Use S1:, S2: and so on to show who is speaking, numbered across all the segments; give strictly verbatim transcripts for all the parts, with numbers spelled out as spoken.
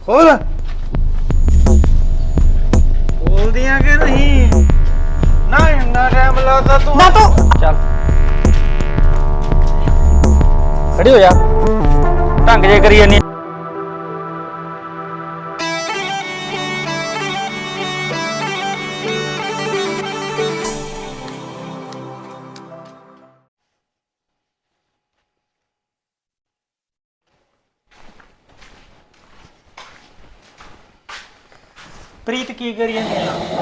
S1: खोल खोल दिया कि नहीं ना इतना टाइम लगता तू
S2: ना तो
S3: चल खड़ी हो जा ढंग जे करी जानी
S1: प्रीत की करी जानी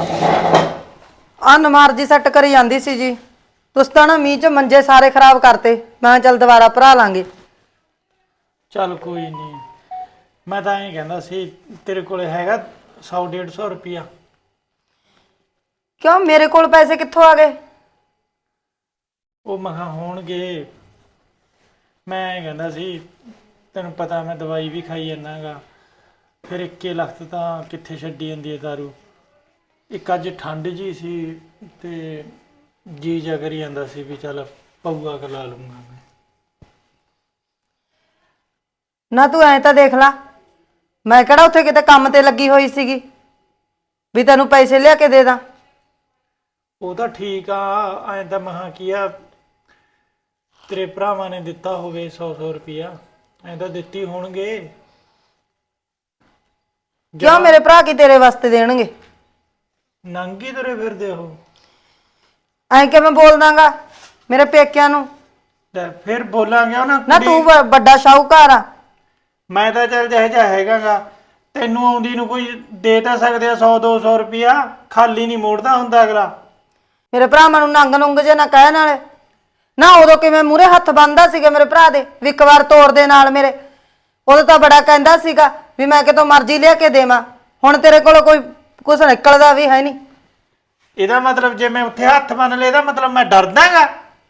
S2: आ नमार जी सैट करी जाती सी जी। तुस तां ना मींह च मंजे सारे खराब करते। मैं चल दोबारा भरा लांगे।
S1: चल कोई नहीं मैं तो ऐ कहना सी तेरे को हैगा सौ डेढ़ सौ रुपया
S2: क्यों मेरे कोल पैसे कित्थों आ गए?
S1: ਉਹ ਮਹਾ ਹੋਣਗੇ ਮੈਂ ਐ ਕਹਿੰਦਾ ਸੀ ਤੈਨੂੰ ਪਤਾ ਮੈਂ ਦਵਾਈ ਵੀ ਖਾਈ ਜਾਂਦਾ ਗਾ ਫਿਰ ਇੱਕੇ ਲੱਖ ਤਾਂ ਕਿੱਥੇ ਛੱਡੀ ਜਾਂਦੀ ਹੈ ਦਾਰੂ ਇੱਕ ਅੱਜ ਠੰਡ ਜੀ ਸੀ ਤੇ ਜੀ ਜਾ ਕਰੀ ਜਾਂਦਾ ਸੀ ਵੀ ਚੱਲ ਪਊਆ ਖਲਾ ਲੂੰਗਾ ਮੈਂ
S2: ਨਾ ਤੂੰ ਐ ਤਾਂ ਦੇਖ ਲਾ ਮੈਂ ਕਿਹੜਾ ਉੱਥੇ ਕਿਤੇ ਕੰਮ ਤੇ ਲੱਗੀ ਹੋਈ ਸੀਗੀ ਵੀ ਤੈਨੂੰ ਪੈਸੇ ਲਿਆ ਕੇ ਦੇ ਦਾਂ।
S1: ਉਹ ਤਾਂ ਠੀਕ ਆ ਐਂ ਤਾਂ ਮਹਾ ਕੀ ਆ ਤੇਰੇ ਭਰਾਵਾਂ ਨੇ ਦਿੱਤਾ ਹੋਵੇ ਸੌ ਸੌ ਰੁਪਇਆ ਐਂ ਤਾਂ ਦਿੱਤੀ ਹੋਣਗੇ।
S2: ਕਿਉਂ ਮੇਰੇ ਭਰਾ ਕੀ ਤੇਰੇ ਵਾਸਤੇ ਦੇਣਗੇ?
S1: ਨੰਗੀ ਤੁਰੇ ਫਿਰਦੇ ਉਹ
S2: ਐਂ ਕਿਵੇਂ ਬੋਲ ਦਾਂਗਾ ਮੇਰੇ ਪੇਕਿਆਂ ਨੂੰ?
S1: ਲੈ ਫਿਰ ਬੋਲਾਂਗੇ ਉਹਨਾਂ
S2: ਨਾ ਤੂੰ ਵ- ਵੱਡਾ ਸ਼ਾਹੂਕਾਰ ਆ।
S1: ਮੈਂ ਤਾਂ ਚੱਲ ਜਿਹੋ ਜਿਹਾ ਹੈਗਾ ਗਾ ਤੈਨੂੰ ਆਉਂਦੀ ਨੂੰ ਕੋਈ ਦੇ ਤਾਂ ਸਕਦੇ ਆ ਸੌ ਦੋ ਸੌ ਰੁਪਇਆ ਖਾਲੀ ਨਹੀਂ ਮੋੜਦਾ ਹੁੰਦਾ ਅਗਲਾ।
S2: ਮੇਰੇ ਭਰਾਵਾਂ ਨੂੰ ਨੰਗ ਨੁੰਗ ਜੇ ਨਾ ਕਹਿਣ ਵਾਲੇ ਨਾ ਉਦੋਂ ਕਿਵੇਂ ਮੂਹਰੇ ਹੱਥ ਬੰਨਦਾ ਸੀਗਾ ਮੇਰੇ ਭਰਾ ਦੇ ਵੀ ਇੱਕ ਵਾਰ ਤੋੜ ਦੇ ਨਾਲ ਮੇਰੇ। ਉਦੋਂ ਤਾਂ ਬੜਾ ਕਹਿੰਦਾ ਸੀਗਾ ਵੀ ਮੈਂ ਕਿਤੋਂ ਮਰਜ਼ੀ ਲਿਆ ਕੇ ਦੇਵਾਂ। ਹੁਣ ਤੇਰੇ ਕੋਲ ਕੋਈ ਕੁਛ ਨਿਕਲਦਾ ਵੀ ਹੈ ਨਹੀਂ।
S1: ਇਹਦਾ ਮਤਲਬ ਜੇ ਮੈਂ ਉੱਥੇ ਹੱਥ ਬੰਨ ਲਏ ਇਹਦਾ ਮਤਲਬ ਮੈਂ ਡਰਦਾਗਾ।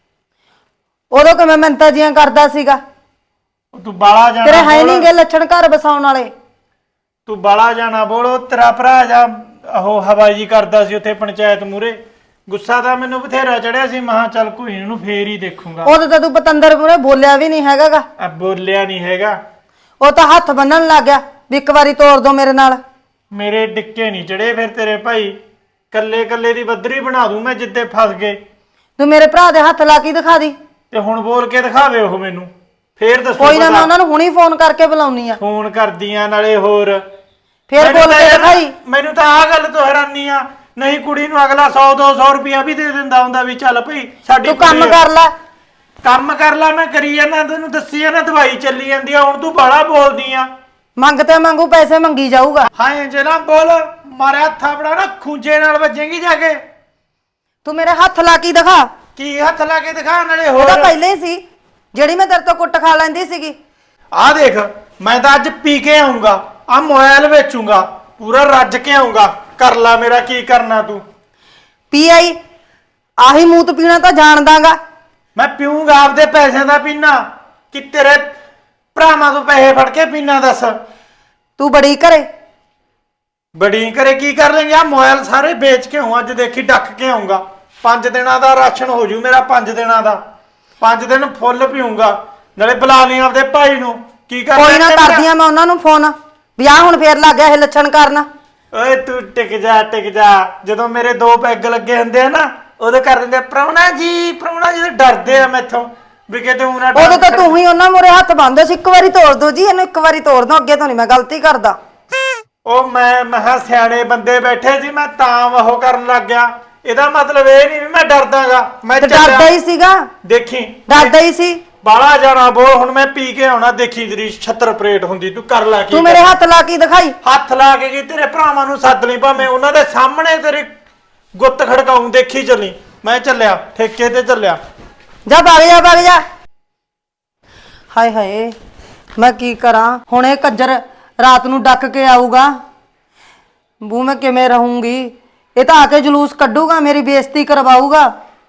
S2: ਉਦੋਂ ਕਿਵੇਂ ਮਿੰਤਾ ਜੀਆਂ ਕਰਦਾ ਸੀਗਾ।
S1: ਤੂੰ ਬਾਲਾ ਜਾਣਾ
S2: ਤੇਰੇ ਹੈ
S1: ਬੋਲ।
S2: ਨਹੀਂ ਗੇ ਲੱਛਣ ਘਰ ਬਸਾਉਣ ਵਾਲੇ।
S1: ਤੂੰ ਬਾਲਾ ਜਾਣਾ ਬੋਲੋ ਤੇਰਾ ਭਰਾ ਜਾਂ ਉਹ ਹਵਾਈ ਜੀ ਕਰਦਾ ਸੀ ਉੱਥੇ ਪੰਚਾਇਤ ਮੂਰੇ ਗੁੱਸਾ ਤਾਂ ਮੈਨੂੰ ਬਥੇਰਾ ਚੜਿਆ ਸੀ ਮਹਾ ਚੱਲ ਕੋਈ ਨੂੰ ਫੇਰ ਹੀ ਦੇਖੂੰਗਾ।
S2: ਉਦੋਂ ਤਾਂ ਤੂੰ ਪਤੰਦਰ ਮੂਹਰੇ ਬੋਲਿਆ ਵੀ ਨਹੀਂ ਹੈਗਾਗਾ।
S1: ਆ ਬੋਲਿਆ ਨਹੀਂ ਹੈਗਾ
S2: ਉਹ ਤਾਂ ਹੱਥ ਬੰਨਣ ਲੱਗ ਗਿਆ ਵੀ ਇੱਕ ਵਾਰੀ ਤੋੜ ਦੋ ਮੇਰੇ ਨਾਲ।
S1: ਮੇਰੇ ਡਿੱਕੇ ਨਹੀਂ ਚੜੇ ਫਿਰ ਤੇਰੇ ਭਾਈ ਕੱਲੇ ਕੱਲੇ ਦੀ ਬੱਦਰੀ ਬਣਾ ਦੂੰ ਮੈਂ ਜਿੱਦੇ ਫਸ ਗਏ।
S2: ਤੂੰ ਮੇਰੇ ਭਰਾ ਦੇ ਹੱਥ ਲਾ ਕੇ ਦਿਖਾ ਦੀ।
S1: ਤੇ ਹੁਣ ਬੋਲ ਕੇ ਦਿਖਾਵੇ ਉਹ ਮੈਨੂੰ ਫੇਰ ਦੱਸੋ।
S2: ਕੋਈ ਨਾ ਮੈਂ ਉਹਨਾਂ ਨੂੰ ਹੁਣੀ ਫੋਨ ਕਰਕੇ ਬੁਲਾਉਣੀ ਆ।
S1: ਫੋਨ ਕਰਦੀਆਂ ਨਾਲੇ ਹੋਰ
S2: ਫੇਰ
S1: ਮੈਨੂੰ
S2: ਬੋਲ
S1: ਤਾਂ
S2: ਕੇ
S1: ਯਾਰ-
S2: ਦਿਖਾਈ।
S1: ਮੈਨੂੰ ਤਾਂ ਆਹ ਗੱਲ ਤੋਂ ਹੈਰਾਨੀ ਆ ਨਹੀਂ ਕੁੜੀ ਨੂੰ ਅਗਲਾ ਸੌ ਦੋ ਸੌ ਰੁਪਇਆ ਵੀ ਦੇ ਦਿੰਦਾ ਹੁੰਦਾ ਵੀ ਚੱਲ ਭਈ ਸਾਡੀ
S2: ਤੂੰ ਕੰਮ
S1: ਕੁੜੀ ਆ।
S2: ਕਰ ਲੈ।
S1: ਕੰਮ ਕਰ ਲੈ ਮੈਂ ਕਰੀ ਜਾਂਦਾ ਤੈਨੂੰ ਦੱਸੀ ਆ ਨਾ ਦਵਾਈ ਚੱਲੀ ਜਾਂਦੀ ਆ ਹੁਣ ਤੂੰ ਬਾਲਾ ਬੋਲਦੀ ਆ।
S2: ਮੰਗ ਤੇ ਮੰਗੂ ਪੈਸੇ ਮੰਗੀ ਜਾਊਗਾ।
S1: ਹਾਂ ਜੇ ਨਾ ਬੋਲ ਮਾਰਿਆ ਥਾਪੜਾ ਨਾ ਖੂੰਜੇ ਨਾਲ ਵੱਜੇਗੀ ਜਾ ਕੇ।
S2: ਤੂੰ ਮੇਰੇ ਹੱਥ ਲਾ ਕੇ ਦਿਖਾ।
S1: ਕੀ ਹੱਥ ਲਾ ਕੇ ਦਿਖਾ ਨਾਲੇ
S2: ਉਹ ਤਾਂ
S1: ਹੋਰ
S2: ਪਹਿਲੇ ਹੀ ਸੀ ਜਿਹੜੀ ਮੈਂ ਤੇਰੇ ਤੋਂ ਕੁੱਟ ਖਾ ਲੈਂਦੀ ਸੀਗੀ।
S1: ਆ ਦੇਖ ਮੈਂ ਤਾਂ ਅੱਜ ਪੀ ਕੇ ਆਉਂਗਾ ਆ ਮੋਬਾਈਲ ਵੇਚੂੰਗਾ ਪੂਰਾ ਰੱਜ ਕੇ ਆਉਂਗਾ ਕਰ ਲੈ ਮੇਰਾ ਕੀ ਕਰਨਾ ਤੂੰ।
S2: ਪੀ ਆਈ ਆਹੀ ਮੂਤ ਪੀਣਾ ਤਾਂ ਜਾਣਦਾਗਾ।
S1: ਮੈਂ ਪੀਊਂਗਾ ਆਪਦੇ ਪੈਸਿਆਂ ਦਾ ਪੀਣਾ ਕਿ ਤੇਰੇ ਭਰਾਵਾਂ ਤੋਂ ਪੈਸੇ ਫੜ ਕੇ ਪੀਣਾ ਦੱਸ।
S2: ਤੂੰ ਬੜੀ ਘਰੇ
S1: ਬੜੀ ਘਰੇ ਕੀ ਕਰ ਲੈਂਗੇ ਆ ਮੋਬਾਈਲ ਸਾਰੇ ਵੇਚ ਕੇ ਆਉਂ ਅੱਜ ਦੇਖੀ ਡੱਕ ਕੇ ਆਉਂਗਾ ਪੰਜ ਦਿਨਾਂ ਦਾ ਰਾਸ਼ਨ ਹੋ ਜੂ ਮੇਰਾ ਪੰਜ ਦਿਨਾਂ ਦਾ ਪੰਜ ਦਿਨ ਫੁੱਲ ਪੀਊਂਗਾ ਨਾਲੇ ਬੁਲਾ ਲਈ ਆਪਦੇ ਭਾਈ ਨੂੰ ਕੀ ਕਰ
S2: ਕੋਈ ਨਾ ਕਰਦੀਆਂ ਮੈਂ ਉਹਨਾਂ ਨੂੰ ਫੋਨ ਵੀ ਆ ਹੁਣ ਫੇਰ ਲੱਗ ਗਿਆ ਇਹ ਲੱਛਣ ਕਰਨ।
S1: ਓਏ ਤੂੰ ਟਿਕ ਜਾ ਟਿਕ ਜਾ ਜਦੋਂ ਮੇਰੇ ਦੋ ਪੈਗ ਲੱਗੇ ਹੁੰਦੇ ਆ ਨਾ ਉਦੋਂ ਕਰ ਦਿੰਦੇ ਪ੍ਰਾਹੁਣਾ ਜੀ ਪ੍ਰਾਹੁਣਾ ਜੀ ਡਰਦੇ ਆ ਮੈਥੋਂ ਵੀ ਕਿਤੇ ਉਹਨਾਂ
S2: ਉਦੋਂ ਤਾਂ ਤੂੰ ਹੀ ਉਹਨਾਂ ਮੂਹਰੇ ਹੱਥ ਬੰਨਦੇ ਸੀ ਇੱਕ ਵਾਰੀ ਤੋੜ ਦੋ ਜੀ ਇਹਨੂੰ ਇੱਕ ਵਾਰੀ ਤੋੜ ਦੋ ਅੱਗੇ ਤੋਂ ਨਹੀਂ ਮੈਂ ਗਲਤੀ ਕਰਦਾ।
S1: ਉਹ ਮੈਂ ਮਹਾ ਸਿਆਣੇ ਬੰਦੇ ਬੈਠੇ ਸੀ ਮੈਂ ਤਾਂ ਉਹ ਕਰਨ ਲੱਗ ਗਿਆ ਇਹਦਾ ਮਤਲਬ ਇਹ ਨਹੀਂ ਵੀ ਮੈਂ ਡਰਦਾਗਾ ਮੈਂ
S2: ਤੇ ਡਰਦਾ ਹੀ ਸੀਗਾ
S1: ਦੇਖੀ
S2: ਡਰਦਾ ਹੀ ਸੀ।
S1: ਬਾਲਾ ਜਾਣਾ ਬੋਲ ਹੁਣ ਮੈਂ ਪੀ ਕੇ ਆਉਣਾ ਦੇਖੀ ਤੇਰੀ ਛੱਤਰ ਪਰੇਡ ਹੁੰਦੀ ਤੂੰ ਕਰ ਲੈ ਕੀ
S2: ਤੂੰ ਮੇਰੇ ਹੱਥ ਲਾ ਕੇ ਦਿਖਾਈ।
S1: ਹੱਥ ਲਾ ਕੇ ਕੀ ਤੇਰੇ ਭਰਾਵਾਂ ਨੂੰ ਸੱਦ ਲਈ ਭਾਵੇਂ ਉਹਨਾਂ ਦੇ ਸਾਹਮਣੇ ਤੇਰੀ ਗੁੱਤ ਖੜਕਾਉਂ ਦੇਖੀ ਚੱਲੀ ਮੈਂ ਚੱਲਿਆ ਠੇਕੇ ਤੇ ਚੱਲਿਆ।
S2: ਜਾ ਭੱਗ ਜਾ ਭੱਗ ਜਾ। ਹਾਏ ਹਾਏ ਮੈਂ ਕੀ ਕਰਾਂ ਹੁਣ ਇਹ ਕੱਜਰ ਰਾਤ ਨੂੰ ਡੱਕ ਕੇ ਆਊਗਾ ਬੂ ਮੈਂ ਕਿਵੇਂ ਰਹੂੰਗੀ। ਇਹ ਤਾਂ ਆ ਕੇ ਜਲੂਸ ਕੱਢੂਗਾ ਮੇਰੀ ਬੇਇੱਜ਼ਤੀ ਕਰਵਾਊਗਾ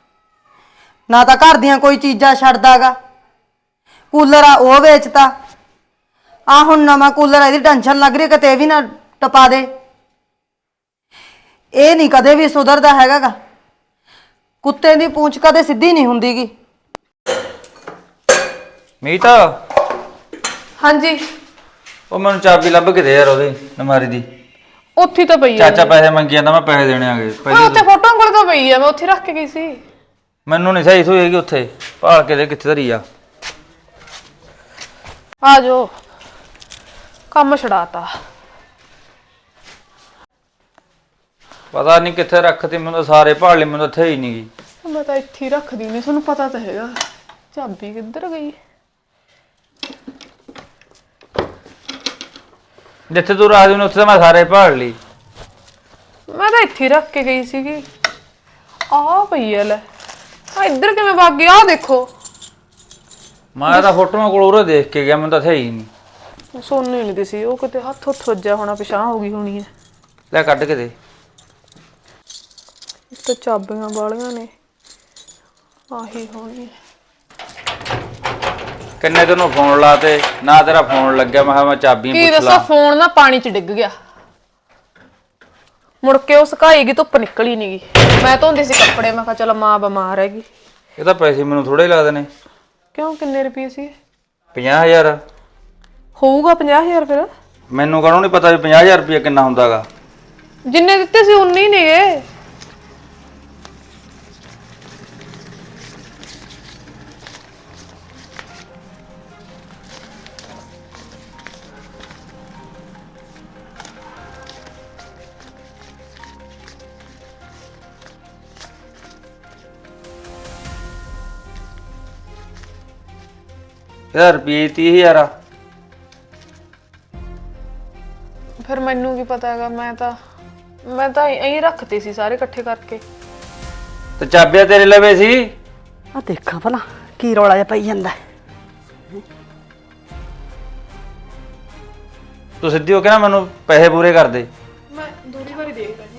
S2: ਨਾ ਤਾਂ ਘਰ ਦੀਆਂ ਕੋਈ ਚੀਜ਼ਾਂ ਛੱਡਦਾਗਾ। ਕੂਲਰ ਆ ਉਹ ਵੇਚਤਾ ਆ ਹੁਣ ਨਵਾਂ ਕੂਲਰ ਇਹਦੀ ਟੈਨਸ਼ਨ ਲੱਗ ਰਹੀ ਕਿਤੇ ਇਹ ਵੀ ਨਾ ਟਪਾ ਦੇ। ਇਹ ਨਹੀਂ ਕਦੇ ਵੀ ਸੁਧਰਦਾ ਹੈਗਾਗਾ। ਕੁੱਤੇ ਦੀ ਪੂੰਛ ਕਦੇ ਸਿੱਧੀ ਨਹੀਂ ਹੁੰਦੀਗੀ।
S3: ਮੀਤ
S4: ਹਾਂਜੀ
S3: ਉਹ ਮੈਨੂੰ ਚਾਬੀ ਲੱਭ ਕੇ ਦੇ ਯਾਰ ਉਹਦੀ ਨਮਾਰੀ ਦੀ।
S4: ਉੱਥੇ ਤਾਂ ਪਈ ਆ।
S3: ਚਾਚਾ ਪੈਸੇ ਮੰਗੀ ਜਾਂਦਾ, ਮੈਂ ਪੈਸੇ ਦੇਣੇ ਆਗੇ
S4: ਓਏ ਉੱਥੇ ਫੋਟੋ ਕੋਲ ਤਾਂ ਪਈ ਆ, ਮੈਂ ਉੱਥੇ ਰੱਖ ਕੇ ਗਈ ਸੀ।
S3: ਮੈਨੂੰ ਨਹੀਂ ਸਹੀ ਸੋਈ ਹੈਗੀ ਉੱਥੇ, ਭਾਲ ਕੇ ਦੇ ਕਿੱਥੇ ਧਰੀ ਆ।
S4: ਆ ਜਾਓ, ਕੰਮ ਛੜਾਤਾ।
S3: ਪਤਾ ਨਹੀਂ ਕਿੱਥੇ ਰੱਖਤੀ, ਮੈਨੂੰ ਤਾਂ ਸਾਰੇ ਭਾਲ ਲਈ, ਮੈਨੂੰ ਤਾਂ ਇੱਥੇ ਹੀ ਨਹੀਂ ਗਈ।
S4: ਮੈਂ ਤਾਂ ਇੱਥੇ ਹੀ ਰੱਖਦੀ ਨਹੀਂ, ਤੁਹਾਨੂੰ ਪਤਾ ਤਾਂ ਹੈਗਾ। ਚਾਬੀ ਕਿੱਧਰ ਗਈ?
S3: ਜਿੱਥੇ ਤੂੰ ਰਾਜ ਨੂੰ ਉੱਥੇ ਤਾਂ ਮੈਂ ਸਾਰੇ ਭਾਲ ਲਈ।
S4: ਮੈਂ ਤਾਂ ਇੱਥੇ ਹੀ ਰੱਖ ਕੇ ਗਈ ਸੀਗੀ। ਆ ਪਈ ਆ ਲੈ, ਆ ਇੱਧਰ ਕਿਵੇਂ ਵਗ ਗਿਆ? ਆ ਦੇਖੋ,
S3: ਮੈਂ ਤਾਂ ਫੋਟੋਆਂ ਕੋਲ ਉਰੇ ਦੇਖ ਕੇ ਗਿਆ, ਮੈਨੂੰ ਤਾਂ ਇੱਥੇ ਹੀ ਨਹੀਂ।
S4: ਸੋਨੂੰ ਹੀ ਨਹੀਂ ਦਿਸੀ, ਉਹ ਕਿਤੇ ਹੱਥ ਹੁੱਥ ਵੱਜਿਆ ਹੋਣਾ, ਪਿਛਾਂਹ ਹੋ ਗਈ ਹੋਣੀ ਹੈ।
S3: ਲੈ ਕੱਢ ਕੇ ਦੇ।
S4: ਇੱਕ ਤਾਂ ਚਾਬੀਆਂ ਵਾਲੀਆਂ ਨੇ, ਆਹੀ ਹੋਣੀ ਹੈ।
S3: ਕਿੰਨੇ ਤੈਨੂੰ ਫੋਨ ਲਾਤੇ, ਨਾ ਤੇਰਾ ਫੋਨ ਲੱਗਿਆ। ਮੈਂ ਕਿਹਾ ਮੈਂ ਚਾਬੀਆਂ
S4: ਕੀ
S3: ਪੁੱਛ
S4: ਦੱਸਾਂ,
S3: ਲਾ।
S4: ਫੋਨ ਨਾ ਪਾਣੀ 'ਚ ਡਿੱਗ ਗਿਆ। ਮੁੜ ਕੇ ਉਹ ਸੁਕਾਈ ਗਈ, ਧੁੱਪ ਨਿਕਲੀ ਨੀ ਗੀ। ਮੈਂ ਧੋਂਦੀ ਸੀ ਕੱਪੜੇ, ਮੈਂ ਕਿਹਾ ਚਲ ਮਾਂ ਬਿਮਾਰ ਹੈਗੀ।
S3: ਇਹ ਤਾਂ ਪੈਸੇ ਮੈਨੂੰ ਥੋੜੇ ਲੱਗਦੇ ਨੇ।
S4: ਕਿਉਂ, ਕਿੰਨੇ ਰੁਪਏ ਸੀ?
S3: ਪੰਜਾਹ ਹਜ਼ਾਰ
S4: ਹੋਊਗਾ ਪੰਜਾਹ ਹਜ਼ਾਰ। ਫਿਰ
S3: ਮੈਨੂੰ ਕਾਹਨੂੰ ਨਹੀਂ ਪਤਾ ਵੀ ਪੰਜਾਹ ਹਜ਼ਾਰ ਰੁਪਇਆ ਕਿੰਨਾ ਹੁੰਦਾਗਾ।
S4: ਜਿੰਨੇ ਦਿੱਤੇ ਸੀ ਉਨੇ ਹੀ ਨੇਗੇ।
S3: ਇਹਦਾ ਰੁਪਏ ਤੀਹ ਹਜ਼ਾਰ ਆ।
S4: ਫਿਰ ਮੈਨੂੰ ਕੀ ਪਤਾ ਹੈਗਾ, ਮੈਂ ਤਾਂ ਮੈਂ ਤਾਂ ਐਂ ਰੱਖਤੇ ਸੀ ਸਾਰੇ ਇਕੱਠੇ ਕਰਕੇ।
S3: ਤੇ ਚਾਬੀਆਂ ਤੇਰੇ ਲਵੇ ਸੀ।
S2: ਆ ਦੇਖਾਂ ਭਲਾ ਕੀ ਰੌਲਾ ਜਿਹਾ ਪਈ ਜਾਂਦਾ।
S3: ਤੂੰ ਸਿੱਧੀ ਹੋ ਕੇ ਨਾ ਮੈਨੂੰ ਪੈਸੇ ਪੂਰੇ ਕਰ ਦੇ।
S4: ਮੈਂ ਦੂਰੀ ਵਾਰੀ ਦੇਖ ਲੈਂਦੀ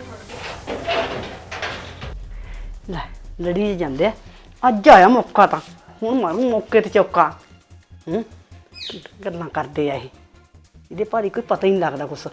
S2: ਲੈ ਲੜੀ ਜਾਂਦੇ ਆ, ਅੱਜ ਆਇਆ ਮੌਕਾ, ਤਾਂ ਹੁਣ ਮਾਰੂ ਮੌਕੇ ਤੇ ਚੌਕਾ। ਹੂੰ, ਗੱਲਾਂ ਕਰਦੇ ਆ ਇਹ, ਇਹਦੇ ਭਾਰੀ ਕੋਈ ਪਤਾ ਹੀ ਨਹੀਂ ਲੱਗਦਾ ਕੁਛ।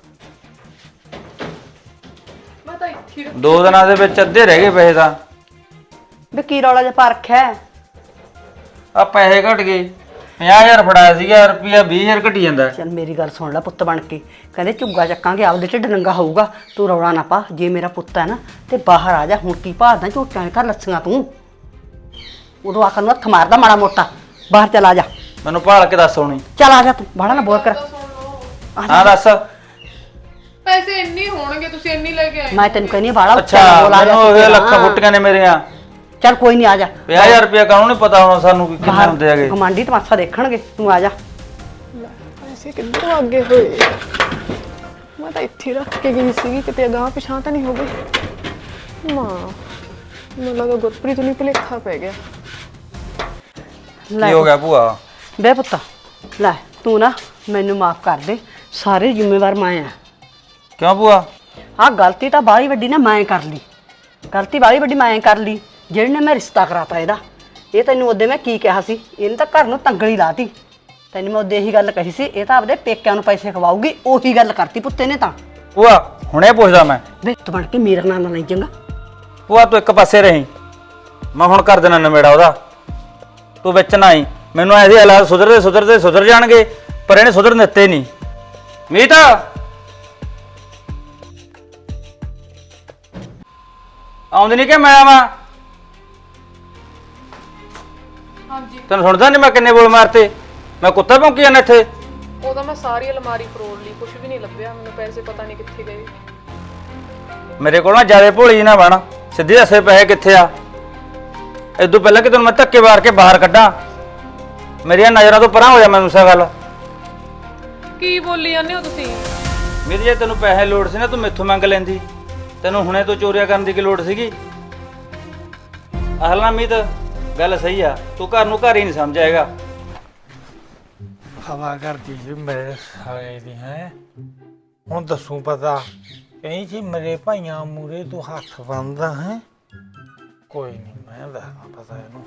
S4: ਮੈਂ ਤਾਂ ਇੱਥੇ
S3: ਦੋ ਦਿਨਾਂ ਦੇ ਵਿੱਚ ਅੱਧੇ ਰਹਿ ਗਏ ਪੈਸੇ ਤਾਂ।
S2: ਵੇ ਕੀ ਰੌਲਾ ਜਿਹਾ ਪਾ ਰੱਖਿਆ?
S3: ਆ ਪੈਸੇ ਘਟ ਗਏ। ਪੰਜਾਹ ਹਜ਼ਾਰ ਫੜਾਇਆ ਸੀਗਾ, ਰੁਪਿਆ ਵੀਹ ਹਜ਼ਾਰ ਘਟੀ ਜਾਂਦਾ।
S2: ਚੱਲ ਮੇਰੀ ਗੱਲ ਸੁਣ ਲੈ ਪੁੱਤ ਬਣ ਕੇ, ਕਹਿੰਦੇ ਝੁੱਗਾ ਚੱਕਾਂਗੇ ਆਪਦੇ ਢਿੱਡ ਨੰਗਾ ਹੋਊਗਾ। ਤੂੰ ਰੌਲਾ ਨਾ ਪਾ, ਜੇ ਮੇਰਾ ਪੁੱਤ ਹੈ ਨਾ ਤੇ ਬਾਹਰ ਆ ਜਾ। ਹੁਣ ਕੀ ਭਾਲਦਾ ਝੋਟਿਆਂ ਦੇ ਘਰ ਲੱਸੀਆਂ ਤੂੰ? ਉਦੋਂ ਆਖਰ ਨੂੰ ਹੱਥ ਮਾਰਦਾ ਮਾੜਾ ਮੋਟਾ। ਬਾਹਰ ਚੱਲ ਆ ਜਾ,
S3: ਮੈਨੂੰ ਭਾਲ ਕੇ ਦੱਸ ਹੋਣੀ।
S2: ਚੱਲ ਆ ਜਾ, ਤੂੰ ਬਾਹਲਾ ਨਾ ਬੋਲ ਕਰ।
S3: ਹਾਂ ਦੱਸ।
S4: ਪੈਸੇ ਇੰਨੇ ਹੋਣਗੇ, ਤੁਸੀਂ ਇੰਨੀ ਲੈ ਕੇ ਆਏ।
S2: ਮੈਂ ਤੈਨੂੰ ਕਹਿੰਦੀ ਬਾਹਲਾ
S3: ਅੱਛਾ, ਮੈਨੂੰ ਉਹ ਲੱਖਾਂ ਫੁੱਟੀਆਂ ਨੇ ਮੇਰੀਆਂ।
S2: ਚੱਲ ਕੋਈ ਨਹੀਂ, ਆ ਜਾ।
S3: ਪੰਜਾਹ ਹਜ਼ਾਰ ਰੁਪਇਆ ਕਾਹਨੂੰ ਨਹੀਂ ਪਤਾ ਹੋਣਾ ਸਾਨੂੰ ਕਿ ਕਿੰਨੇ ਹੁੰਦੇ ਹੈਗੇ।
S2: ਕਮਾਂਡੀ ਤਮਾਸ਼ਾ ਦੇਖਣਗੇ, ਤੂੰ ਆ ਜਾ।
S4: ਪੈਸੇ ਕਿੱਧਰੋਂ ਅੱਗੇ ਹੋਏ? ਮੈਂ ਤਾਂ ਇੱਥੇ ਹੀ ਰੱਖ ਕੇ ਗਈ ਸੀਗੀ, ਕਿਤੇ ਅਗਾਂਹ ਪਿਛਾਂਹ ਤਾਂ ਨਹੀਂ ਹੋ ਗਈ। ਮਾਂ, ਮੈਨੂੰ ਲੱਗਾ ਗੁਰਪ੍ਰੀਤ ਨੂੰ ਭੁਲੇਖਾ ਪੈ ਗਿਆ।
S3: ਕੀ ਹੋ ਗਿਆ ਭੂਆ?
S2: ਬੇ ਪੁੱਤ ਲੈ, ਤੂੰ ਨਾ ਮੈਨੂੰ ਮਾਫ ਕਰ ਦੇ, ਸਾਰੇ ਜ਼ਿੰਮੇਵਾਰ ਮੈਂ ਆ।
S3: ਕਿਉਂ ਭੂਆ?
S2: ਆਹ ਗਲਤੀ ਤਾਂ ਬਾਹਲੀ ਵੱਡੀ ਨਾ ਮੈਂ ਕਰ ਲਈ, ਗਲਤੀ ਬਾਹਲੀ ਵੱਡੀ ਮੈਂ ਕਰ ਲਈ, ਜਿਹੜੇ ਨੇ ਮੈਂ ਰਿਸ਼ਤਾ ਕਰਾਤਾ ਇਹਦਾ। ਇਹ ਤੈਨੂੰ ਉਹਦੇ ਮੈਂ ਕੀ ਕਿਹਾ ਸੀ, ਇਹਨੇ ਤਾਂ ਘਰ ਨੂੰ ਤੰਗਲੀ ਲਾਤੀ। ਤੈਨੂੰ ਮੈਂ ਉਹਦੇ ਇਹੀ ਗੱਲ ਕਹੀ ਸੀ, ਇਹ ਤਾਂ ਆਪਦੇ ਪੇਕਿਆਂ ਨੂੰ ਪੈਸੇ ਖਵਾਊਗੀ। ਉਹੀ ਗੱਲ ਕਰਤੀ ਪੁੱਤੇ ਨੇ ਤਾਂ।
S3: ਭੂਆ ਹੁਣੇ ਪੁੱਛਦਾ ਮੈਂ।
S2: ਵੇ ਤੂੰ ਬਣ ਕੇ ਮੇਰਾ ਨਾਂ ਨਾ ਲਈ ਚੰਗਾ।
S3: ਭੂਆ ਤੂੰ ਇੱਕ ਪਾਸੇ ਰਹੀ, ਮੈਂ ਹੁਣ ਕਰ ਦੇਣਾ ਨਵੇੜਾ ਉਹਦਾ। ਤੂੰ ਵਿੱਚ ਨਾ ਆਈ। ਮੈਨੂੰ ਐਸੇ ਹਾਲਾਤ ਸੁਧਰਦੇ ਸੁਧਰਦੇ ਸੁਧਰ ਜਾਣਗੇ, ਪਰ ਇਹਨੇ ਸੁਧਰਨ ਦਿੱਤੇ ਨਹੀਂ। ਮੀਤ ਆਉਂਦੀ ਨਹੀਂ ਕਿ ਮੈਂ ਆਵਾਂ?
S4: ਹਾਂਜੀ,
S3: ਤੈਨੂੰ ਸੁਣਦਾ ਨਹੀਂ ਮੈਂ ਕਿੰਨੇ ਬੋਲ ਮਾਰਤੇ? ਮੈਂ ਕੁੱਤਾ ਭੌਂਕੀ ਜਾਂਦਾ ਇੱਥੇ।
S4: ਉਹਦਾ ਮੈਂ ਸਾਰੀ ਅਲਮਾਰੀ ਫਰੋੜ ਲਈ, ਕੁਝ ਵੀ ਨਹੀਂ ਲੱਭਿਆ ਮੈਨੂੰ। ਪੈਸੇ ਪਤਾ ਨਹੀਂ ਕਿੱਥੇ ਗਏ।
S3: ਮੇਰੇ ਕੋਲ ਨਾ ਜਿਆਦਾ ਭੋਲੀ ਨਾ ਬਣ, ਸਿੱਧੀ ਦੱਸੇ ਪੈਸੇ ਕਿੱਥੇ ਆ। ਇਦੋਂ ਪਹਿਲਾਂ ਕਿ ਤੈਨੂੰ ਮੈਂ ਧੱਕੇ ਮਾਰ ਕੇ ਬਾਹਰ ਕੱਢਾਂ, ਮੇਰੀਆਂ ਨਜ਼ਰਾਂ ਤੋਂ ਪਰਾਂ ਹੋ ਜਾ। ਮੈਨੂੰ ਸਾ ਗੱਲ
S4: ਕੀ ਬੋਲੀ ਜਾਂਦੇ ਹੋ ਤੁਸੀਂ?
S3: ਮੇਰੀ ਜੇ ਤੈਨੂੰ ਪੈਸੇ ਲੋੜ ਸੀ ਨਾ, ਤੂੰ ਮੈਥੋਂ ਮੰਗ ਲੈਂਦੀ। ਤੈਨੂੰ ਹੁਣੇ ਤੋਂ ਚੋਰੀਆਂ ਕਰਨ ਦੀ ਕੀ ਲੋੜ ਸੀਗੀ? ਅਹਲ ਨਾ ਮੀਤ, ਗੱਲ ਸਹੀ ਆ, ਤੂੰ ਘਰ ਨੂੰ ਘਰ ਹੀ ਨਹੀਂ ਸਮਝਾਏਗਾ।
S1: ਹਵਾ ਕਰਦੀ ਸੀ ਮੇਰੇ ਸਾਲੇ ਦੀ ਹੈ। ਹੁਣ ਦੱਸੂ ਪਤਾ ਕਹੀਂ ਸੀ ਮੇਰੇ ਭਾਈਆਂ ਮੂਰੇ ਤੂੰ ਹੱਥ ਬੰਨਦਾ ਹੈ। ਕੋਈ ਨਹੀਂ, ਮੈਂ ਦੱਸਦਾ ਪਤਾ ਇਹਨੂੰ।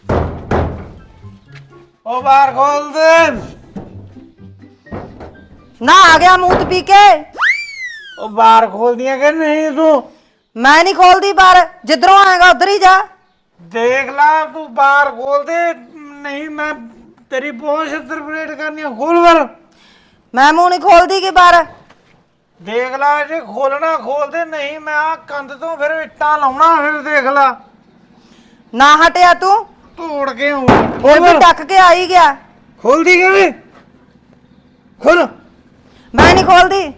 S1: ਉਹ ਬਾਹਰ ਖੋਲ ਦੇ।
S2: ਨਾ ਆ ਗਿਆ ਮੂੰਹ ਤੇ ਪੀ ਕੇ।
S1: ਉਹ ਬਾਰ ਖੋਲਦੀਆਂ ਕਿ ਨਹੀਂ ਤੂੰ?
S2: ਮੈਂ ਨਹੀਂ ਖੋਲਦੀ ਬਾਹਰ, ਜਿੱਧਰੋਂ ਆਏਗਾ ਉਧਰ ਹੀ ਜਾ।
S1: ਦੇਖ ਲਾ ਤੂੰ ਬਾਰ ਖੋਲ ਦੇ, ਨਹੀਂ ਮੈਂ ਤੇਰੀ ਬਹੁਤ ਛਿੱਤਰ ਪਰੇਡ ਕਰਨੀ ਆ। ਖੋਲ ਬਾਰ।
S2: ਮੈਂ ਮੂੰਹ ਨਹੀਂ ਖੋਲਦੀ ਕਿ ਬਾਹਰ।
S1: ਦੇਖ ਲਾ ਜੇ ਖੋਲਣਾ ਖੋਲ ਦੇ, ਨਹੀਂ ਮੈਂ ਆ ਕੰਧ ਤੋਂ ਫਿਰ ਇੱਟਾਂ ਲਾਉਣਾ। ਫਿਰ ਦੇਖ ਲਾ
S2: ਨਾ ਹਟਿਆ ਤੂੰ,
S1: ਤੋੜ ਕੇ ਆਉਂ।
S2: ਉਹ ਵੀ ਟੱਕ ਕੇ ਆ ਹੀ ਗਿਆ।
S1: ਖੋਲਦੀ ਕਿਵੇਂ? ਖੋਲ।
S2: ਮੈਂ ਨਹੀਂ ਖੋਲਦੀ।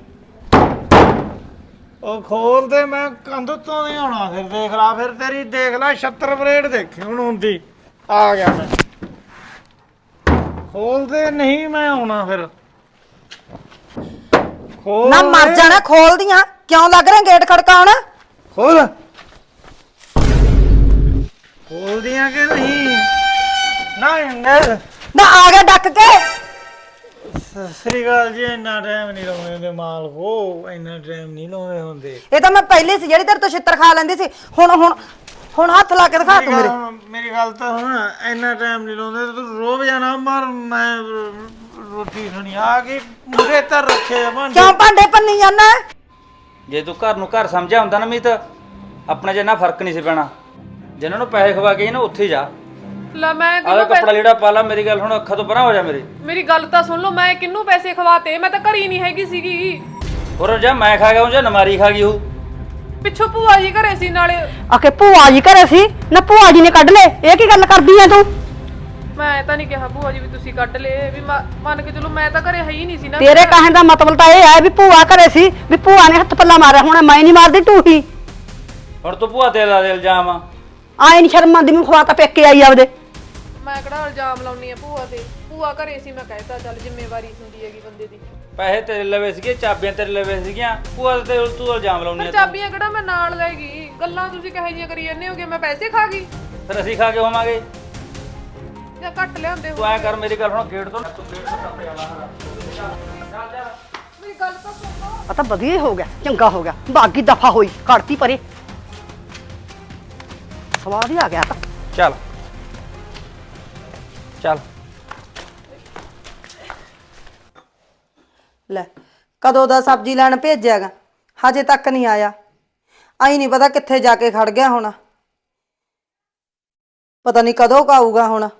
S1: ਉਹ ਖੋਲ ਦੇ, ਮੈਂ ਕੰਧ ਤੋਂ ਨਹੀਂ ਆਉਣਾ। ਫਿਰ ਦੇਖ ਲਾ, ਫਿਰ ਤੇਰੀ ਦੇਖ ਲਾ ਛੱਤਰ ਪਰੇਡ ਦੇਖੀ ਹੁਣ ਹੁੰਦੀ। ਆ ਗਿਆ ਮੈਂ। ਖੋਲ ਦੇ, ਨਹੀਂ ਮੈਂ ਆਉਣਾ ਫਿਰ। ਖੋਲ
S2: ਨਾ ਮਰ
S1: ਦੇ।
S2: ਜਾਣਾ, ਖੋਲਦੀਆਂ ਕਿਉਂ ਲੱਗ ਰਿਹਾ ਗੇਟ ਖੜਕਾਉਣ।
S1: ਖੋਲ। ਖੋਲਦੀਆਂ ਕਿ ਨਹੀਂ? ਨਾ ਇੰਦਰ
S2: ਨਾ ਆ ਗਿਆ ਡੱਕ ਕੇ।
S1: ਸਤਿ ਸ੍ਰੀ ਅਕਾਲ ਜੀ। ਇੰਨਾ ਟਾਈਮ ਨਹੀਂ ਲਾਉਂਦੇ ਹੁੰਦੇ ਮਾਲ ਹੋ, ਇੰਨਾ ਟਾਈਮ ਨਹੀਂ ਲਾਉਂਦੇ ਹੁੰਦੇ।
S2: ਇਹ ਤਾਂ ਮੈਂ ਪਹਿਲੇ ਸੀ ਜਿਹੜੀ ਤੇਰੇ ਤੋਂ ਛਿੱਤਰ ਖਾ ਲੈਂਦੀ ਸੀ। ਹੁਣ ਹੁਣ ਹੁਣ ਹੱਥ ਲਾ ਕੇ ਦਿਖਾ ਤੂੰ ਮੇਰੇ।
S1: ਮੇਰੀ ਗੱਲ ਤਾਂ ਹੁਣ, ਇੰਨਾ ਟਾਈਮ ਨਹੀਂ ਲਾਉਂਦੇ। ਤੂੰ ਰੋਬ ਜਾਣਾ ਮਰ। ਮੈਂ ਰੋਟੀ ਖਾਣੀ ਆ ਗਈ ਮੂਰੇ ਧਰ ਰੱਖੇ ਆ ਭਾਂਡੇ।
S2: ਕਿਉਂ ਭਾਂਡੇ ਭੰਨੀ ਜਾਂਦਾ?
S3: ਜੇ ਤੂੰ ਘਰ ਨੂੰ ਘਰ ਸਮਝਿਆ ਹੁੰਦਾ ਨਾ ਮੀਤ, ਆਪਣਾ ਜਿੰਨਾ ਫਰਕ ਨਹੀਂ ਸੀ ਪੈਣਾ। ਜਿਨ੍ਹਾਂ ਨੂੰ ਪੈਸੇ ਖਵਾ ਕੇ ਨਾ ਉੱਥੇ ਹੀ ਜਾ।
S4: ਲੈ ਮੈਂ
S3: ਆਹ
S4: ਕਿਹਨੂੰ
S3: ਕੱਪੜਾ ਲੀੜਾ ਪਾ ਲਾ। ਮੇਰੀ ਗੱਲ ਹੁਣ ਅੱਖਾਂ ਤੋਂ ਪਰਾਂ ਹੋ ਜਾ ਮੇਰੇ।
S4: ਮੇਰੀ ਗੱਲ ਤਾਂ ਸੁਣ ਲਓ, ਮੈਂ ਕਿਹਨੂੰ ਪੈਸੇ ਖਵਾਤੇ? ਮੈਂ ਤਾਂ ਘਰੀ ਨਹੀਂ ਹੈਗੀ ਸੀਗੀ।
S3: ਹੋਰ ਜਾਂ ਮੈਂ ਖਾ ਗਿਆ ਉਹ ਜਾਂ ਨਮਾਰੀ ਖਾ ਗਈ ਉਹ।
S4: ਪਿੱਛੋਂ ਭੂਆ ਜੀ ਘਰੇ ਸੀ ਨਾਲੇ।
S2: ਆਕੇ ਭੂਆ ਜੀ ਘਰੇ ਸੀ ਨਾ, ਭੂਆ ਜੀ ਨੇ ਕੱਢ ਲਏ। ਇਹ ਕੀ ਗੱਲ ਕਰਦੀ ਐ ਤੂੰ?
S4: ਮੈਂ ਤਾਂ ਨਹੀਂ ਕਿਹਾ ਭੂਆ ਜੀ ਵੀ ਤੁਸੀਂ ਕੱਢ ਲਏ, ਵੀ ਮ- ਮੰਨ ਕੇ ਚਲੋ ਮੈਂ ਤਾਂ ਘਰੇ ਹੈ ਹੀ ਨਹੀਂ ਸੀ ਨਾ।
S2: ਤੇਰੇ ਕਹਿਣ ਦਾ ਮਤਲਬ ਤਾਂ ਇਹ ਹੈ ਵੀ ਭੂਆ ਘਰੇ ਸੀ, ਵੀ ਭੂਆ ਨੇ ਹੱਥ ਪੱਲਾ ਮਾਰਿਆ ਹੋਣਾ। ਮੈਂ ਨਹੀਂ ਮਾਰਦੀ, ਤੂੰ ਹੀ।
S3: ਹੁਣ ਤੂੰ ਭੂਆ ਤੇ ਲਾ ਦੇ ਇਲਜ਼ਾਮ।
S2: ਆਏ ਨਹੀਂ ਸ਼ਰਮ ਆਉਂਦੀ, ਮੈਨੂੰ ਖਵਾਤਾ ਪੇਕੇ ਆਈ ਆਪਦੇ।
S4: ਮੈਂ ਕਿਹੜਾ ਇਲਜ਼ਾਮ ਲਾਉਣੀ ਆ ਭੂਆ ਤੇ? ਭੂਆ ਘਰੇ ਸੀ, ਮੈਂ ਕਹਿਤਾ ਚੱਲ ਜ਼ਿੰਮੇਵਾਰੀ ਹੁੰਦੀ ਹੈਗੀ ਬੰਦੇ ਦੀ।
S3: ਪੈਸੇ ਤੇਰੇ ਲਵੇ ਸੀਗੇ, ਚਾਬੀਆਂ ਤੇਰੇ ਲਵੇ ਸੀਗੀਆਂ। ਭੂਆ ਤੇ ਤੂੰ ਇਲਜ਼ਾਮ ਲਾਉਣੀ
S4: ਫਿਰ
S3: ਆ।
S4: ਚਾਬੀਆਂ ਕਿਹੜਾ ਮੈਂ ਨਾਲ ਲੈ ਗਈ? ਗੱਲਾਂ ਤੁਸੀਂ ਕਹੇ ਜੀਆਂ ਕਰੀ ਜਾਂਦੇ ਹੋਗੇ, ਮੈਂ ਪੈਸੇ ਖਾ ਗਈ
S3: ਫਿਰ ਅਸੀਂ ਖਾ ਕੇ ਹੋਵਾਂਗੇ।
S4: ਜਾਂ ਘੱਟ ਲਿਆਉਂਦੇ
S3: ਤੂੰ
S4: ਹੋ?
S3: ਐ ਕਰ, ਮੇਰੀ ਗੱਲ ਹੁਣ ਗੇਟ ਤੋਂ ਤੂੰ ਗੇਟ ਤੋਂ ਟੱਪ ਜਾਣਾ।
S4: ਮੇਰੀ ਗੱਲ ਤਾਂ ਸੁਣ ਲਓ।
S2: ਆ ਤਾਂ ਵਧੀਆ ਹੀ ਹੋ ਗਿਆ, ਚੰਗਾ ਹੋ ਗਿਆ। ਬਾਗੀ ਦਫਾ ਹੋਈ, ਕੱਢਤੀ ਪਰੇ। ਸਵਾਦ ਹੀ ਆ ਗਿਆ ਤਾਂ।
S3: ਚੱਲ ਚੱਲ।
S2: ਲੈ ਕਦੋਂ ਦਾ ਸਬਜ਼ੀ ਲੈਣ ਭੇਜਿਆਗਾ, ਹਜੇ ਤੱਕ ਨਹੀਂ ਆਇਆ। ਆਈ ਨਹੀਂ ਪਤਾ ਕਿੱਥੇ ਜਾ ਕੇ ਖੜ ਗਿਆ ਹੁਣ। ਪਤਾ ਨਹੀਂ ਕਦੋਂ ਆਊਗਾ ਹੁਣ।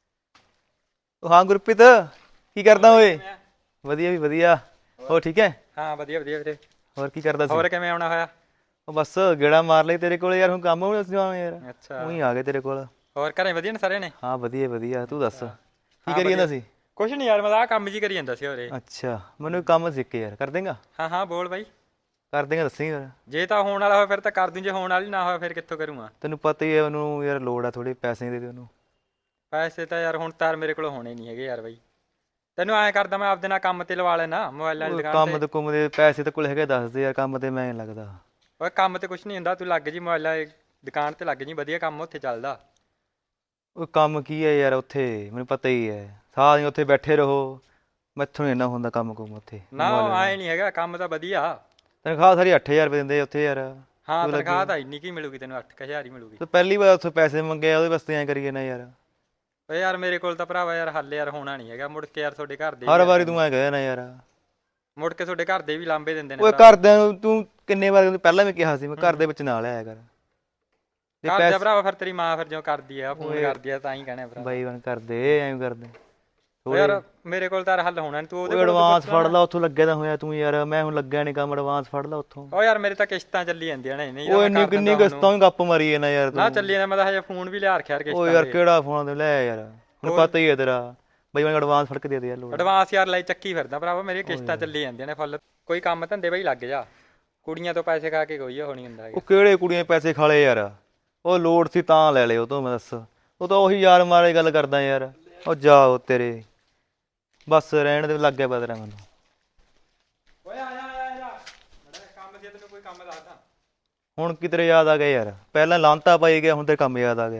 S5: ਹਾਂ ਗੁਰਪ੍ਰੀਤ, ਕੀ ਕਰਦਾ ਓਏ? ਵਧੀਆ ਵੀ ਵਧੀਆ। ਹੋਰ ਠੀਕ ਹੈ?
S6: ਹਾਂ ਵਧੀਆ ਵਧੀਆ ਵੀਰੇ।
S5: ਹੋਰ ਕੀ ਕਰਦਾ ਸੀ?
S6: ਹੋਰ ਕਿਵੇਂ ਆਉਣਾ ਹੋਇਆ?
S5: ਉਹ ਬਸ ਗੇੜਾ ਮਾਰ ਲਈ ਤੇਰੇ ਕੋਲ ਯਾਰ। ਹੁਣ ਕੰਮ ਹੋਣਾ ਸੀ ਯਾਰ।
S6: ਅੱਛਾ।
S5: ਉਹੀ ਆ ਗਏ ਤੇਰੇ ਕੋਲ।
S6: ਹੋਰ ਘਰੇ ਵਧੀਆ ਨੇ ਸਾਰੇ ਨੇ?
S5: ਹਾਂ ਵਧੀਆ ਵਧੀਆ। ਤੂੰ ਦੱਸ ਕੀ
S6: ਹਾਂ,
S5: ਕਰੀ ਜਾਂਦਾ
S6: ਵਧੀਆ।
S5: ਸੀ?
S6: ਕੁਛ ਨਹੀਂ ਯਾਰ, ਮੈਂ ਤਾਂ ਆਹ ਕੰਮ ਜੀ ਕਰੀ ਜਾਂਦਾ ਸੀ ਹੋਰੇ।
S5: ਅੱਛਾ, ਮੈਨੂੰ ਇੱਕ ਕੰਮ ਸਿੱਖ ਕੇ ਯਾਰ ਕਰ ਦੇਂਗਾ?
S6: ਹਾਂ ਹਾਂ ਬੋਲ ਬਾਈ।
S5: ਕਰ ਦੇਂਗਾ, ਦੱਸੀ ਯਾਰ।
S6: ਜੇ ਤਾਂ ਹੋਣ ਵਾਲਾ ਹੋਇਆ ਫਿਰ ਤਾਂ ਕਰ ਦੂੰ, ਜੇ ਹੋਣ ਵਾਲੀ ਨਾ ਹੋਇਆ ਫਿਰ ਕਿੱਥੋਂ ਕਰੂੰਗਾ?
S5: ਤੈਨੂੰ ਪਤਾ ਹੀ ਹੈ ਉਹਨੂੰ ਯਾਰ ਲੋੜ ਆ, ਥੋੜੇ ਪੈਸੇ ਦੇ ਦੇ ਉਹਨੂੰ।
S6: ਪੈਸੇ ਤਾਂ ਯਾਰ ਹੁਣ ਤਾਰ ਮੇਰੇ ਕੋਲ ਹੋਣੇ ਨਹੀਂ ਹੈਗੇ ਯਾਰ ਬਾਈ। ਤੈਨੂੰ ਐਂ ਕਰਦਾ, ਮੈਂ ਆਪਦੇ ਨਾਲ ਕੰਮ ਤੇ ਲਵਾ ਲੈਣਾ ਮੋਬਾਈਲਾਂ ਦੀ
S5: ਉਹ
S6: ਦੁਕਾਨ
S5: ਕੰਮ
S6: ਤੇ।
S5: ਤੇ ਕੁੰਮ ਦੇ ਪੈਸੇ ਤੇ ਕੋਲ ਹੈਗੇ, ਦੱਸ ਦੇ ਯਾਰ। ਕੰਮ ਤੇ ਮੈਂ ਨਹੀਂ ਲੱਗਦਾ।
S6: ਓਏ ਕੰਮ ਤੇ ਕੁਛ ਨਹੀਂ ਹੁੰਦਾ, ਤੂੰ ਲੱਗ ਜੀ ਮੋਬਾਈਲਾਂ ਦੀ ਦੁਕਾਨ ਤੇ ਲੱਗ ਜੀ, ਵਧੀਆ ਕੰਮ ਉੱਥੇ ਚੱਲਦਾ।
S5: ਉਹ ਕੰਮ ਕੀ ਹੈ ਯਾਰ ਉੱਥੇ, ਮੈਨੂੰ ਪਤਾ ਹੀ ਹੈ। ਸਾਰਾ ਦਿਨ ਉੱਥੇ ਬੈਠੇ ਰਹੋ, ਮੈਥੋਂ ਨਹੀਂ ਇੰਨਾ ਹੁੰਦਾ ਕੰਮ ਕੁੰਮ ਉੱਥੇ।
S6: ਨਾ ਐਂ ਨਹੀਂ ਹੈਗਾ, ਕੰਮ ਤਾਂ ਵਧੀਆ।
S5: ਤਨਖਾਹ ਸਾਰੀ ਅੱਠ ਹਜ਼ਾਰ ਰੁਪਏ ਦਿੰਦੇ ਉੱਥੇ ਯਾਰ।
S6: ਹਾਂ
S5: ਤੂੰ ਲੱਗੀ-
S6: ਤਨਖਾਹ ਤਾਂ ਇੰਨੀ ਕੀ ਮਿਲੂਗੀ ਤੈਨੂੰ? ਅੱਠ ਹਜ਼ਾਰ ਹੀ ਮਿਲੂਗੀ।
S5: ਤੂੰ ਪਹਿਲੀ ਵਾਰ ਉੱਥੇ ਪੈਸੇ ਮੰਗੇ ਆ, ਉਹਦੇ ਵਾਸਤੇ ਐਂ ਕਰੀਏ ਨਾ ਯਾਰ।
S6: ਓਏ ਯਾਰ ਮੇਰੇ ਕੋਲ ਤਾਂ ਭਰਾਵਾ ਯਾਰ ਹੱਲ ਯਾਰ ਹੋਣਾ ਨਹੀਂ ਹੈਗਾ। ਮੁੜ ਕੇ ਯਾਰ ਤੁਹਾਡੇ ਘਰ ਦੇ
S5: ਹਰ ਵਾਰੀ ਤੂੰ ਐਂ ਕਹਿਆ ਨਾ ਯਾਰ।
S6: ਮੁੜ ਕੇ ਤੁਹਾਡੇ ਘਰ ਦੇ ਵੀ ਲਾਂਬੇ ਦਿੰਦੇ ਨੇ
S5: ਓਏ
S6: ਭਰਾ।
S5: ਘਰਦਿਆਂ ਨੂੰ ਤੂੰ ਕਿੰਨੇ ਵਾਰ ਪਹਿਲਾਂ ਵੀ ਕਿਹਾ ਸੀ, ਮੈਂ ਘਰ ਦੇ ਵਿੱਚ ਨਾ ਲਿਆਇਆ ਕਰ। ਜੇ
S6: ਘਰ
S5: ਪੈਸੇ
S6: ਦਾ ਭਰਾਵਾ ਫਿਰ ਤੇਰੀ ਮਾਂ ਫਿਰ ਜਿਉਂ ਕਰਦੀ ਆ, ਫੋਨ ਕਰਦੀ ਆ ਤਾਂ ਹੀ ਕਹਿਣਾ ਭਰਾ।
S5: ਬਾਈ ਬਣ ਕਰਦੇ ਐਂ ਕਰਦੇ।
S6: ਓਏ ਯਾਰ ਮੇਰੇ ਕੋਲ ਤਾਂ ਹੱਲ ਹੋਣਾ ਨੀ, ਤੂੰ ਉਹਦੇ
S5: ਓਏ
S6: ਕੋਲ
S5: ਐਡਵਾਂਸ ਫੜ ਲਾ ਉੱਥੋਂ, ਲੱਗਿਆ ਤਾਂ ਹੋਇਆ ਤੂੰ ਯਾਰ। ਮੈਂ ਹੁਣ ਲੱਗਿਆ ਨਹੀਂ ਕੰਮ, ਐਡਵਾਂਸ ਫੜ ਲਾ ਉੱਥੋਂ।
S6: ਓ ਯਾਰ ਮੇਰੇ ਤਾਂ ਕਿਸ਼ਤਾਂ ਚੱਲੀ ਜਾਂਦੀਆਂ ਨੇ, ਨਹੀਂ ਤਾਂ
S5: ਓਏ
S6: ਮੈਂ
S5: ਇੰਨੀ
S6: ਕਰ
S5: ਕਿੰਨੀ
S6: ਦਿੰਦਾ
S5: ਕਿਸ਼ਤਾਂ ਵੀ ਗੱਪ ਮਾਰੀ ਹੈ ਨਾ ਯਾਰ
S6: ਨਾ
S5: ਤੂੰ।
S6: ਚੱਲੀ ਜਾਂਦਾ, ਮੈਂ ਤਾਂ ਹਜੇ ਫੋਨ ਵੀ ਲਿਆ ਰੱਖਿਆ ਯਾਰ
S5: ਓ
S6: ਕਿਸ਼ਤਾਂ
S5: ਯਾਰ
S6: ਦੇ।
S5: ਕਿਹੜਾ ਫੋਨ ਤੇ ਲੈ ਯਾਰ, ਹੁਣ
S6: ਹੋਰ।
S5: ਪਤਾ ਹੀ ਹੈ ਤੇਰਾ। ਬਾਈ ਬਣ ਐਡਵਾਂਸ ਫੜ ਕੇ ਦੇ ਦੇ ਯਾਰ ਲੋੜ।
S6: ਐਡਵਾਂਸ ਯਾਰ ਲਈ ਚੱਕੀ ਫਿਰਦਾ ਭਰਾਵਾ, ਮੇਰੀ ਕਿਸ਼ਤਾਂ ਚੱਲੀ ਜਾਂਦੀਆਂ ਨੇ ਫੁੱਲ। ਕੋਈ ਕੰਮ ਧੰਦੇ ਬਈ ਲੱਗ ਜਾ, ਕੁੜੀਆਂ ਤੋਂ ਪੈਸੇ ਖਾ ਕੇ ਕੋਈ ਉਹ ਨਹੀਂ ਹੁੰਦਾ ਹੈਗਾ।
S5: ਉਹ ਕਿਹੜੇ ਕੁੜੀਆਂ ਦੇ ਪੈਸੇ ਖਾਲੇ ਯਾਰ? ਉਹ ਲੋੜ ਸੀ ਤਾਂ ਲੈ ਲਿਓ ਤੋਂ, ਮੈਂ ਦੱਸ। ਉਹ ਤਾਂ ਉਹੀ ਯਾਰ ਮਾਰੇ ਗੱਲ ਕਰਦਾ ਯਾਰ। ਉਹ ਜਾਓ ਤੇਰੇ, ਬਸ ਰਹਿਣ ਦੇ, ਲੱਗ ਗਿਆ ਪਤਾ ਮੈਨੂੰ।
S6: ਓਏ ਆ ਜਾ ਆ ਜਾ, ਬੜਾ ਕੰਮ ਸੀ ਤੈਨੂੰ, ਕੋਈ ਕੰਮ ਦੱਸਦਾ।
S5: ਹੁਣ ਕੀ ਤੇਰੇ ਯਾਦ ਆ ਗਿਆ ਯਾਰ? ਪਹਿਲਾਂ ਲਾਂਤਾ ਪਾਈ ਗਿਆ, ਹੁਣ ਤੇ ਕੰਮ ਯਾਦ ਆ ਗਿਆ।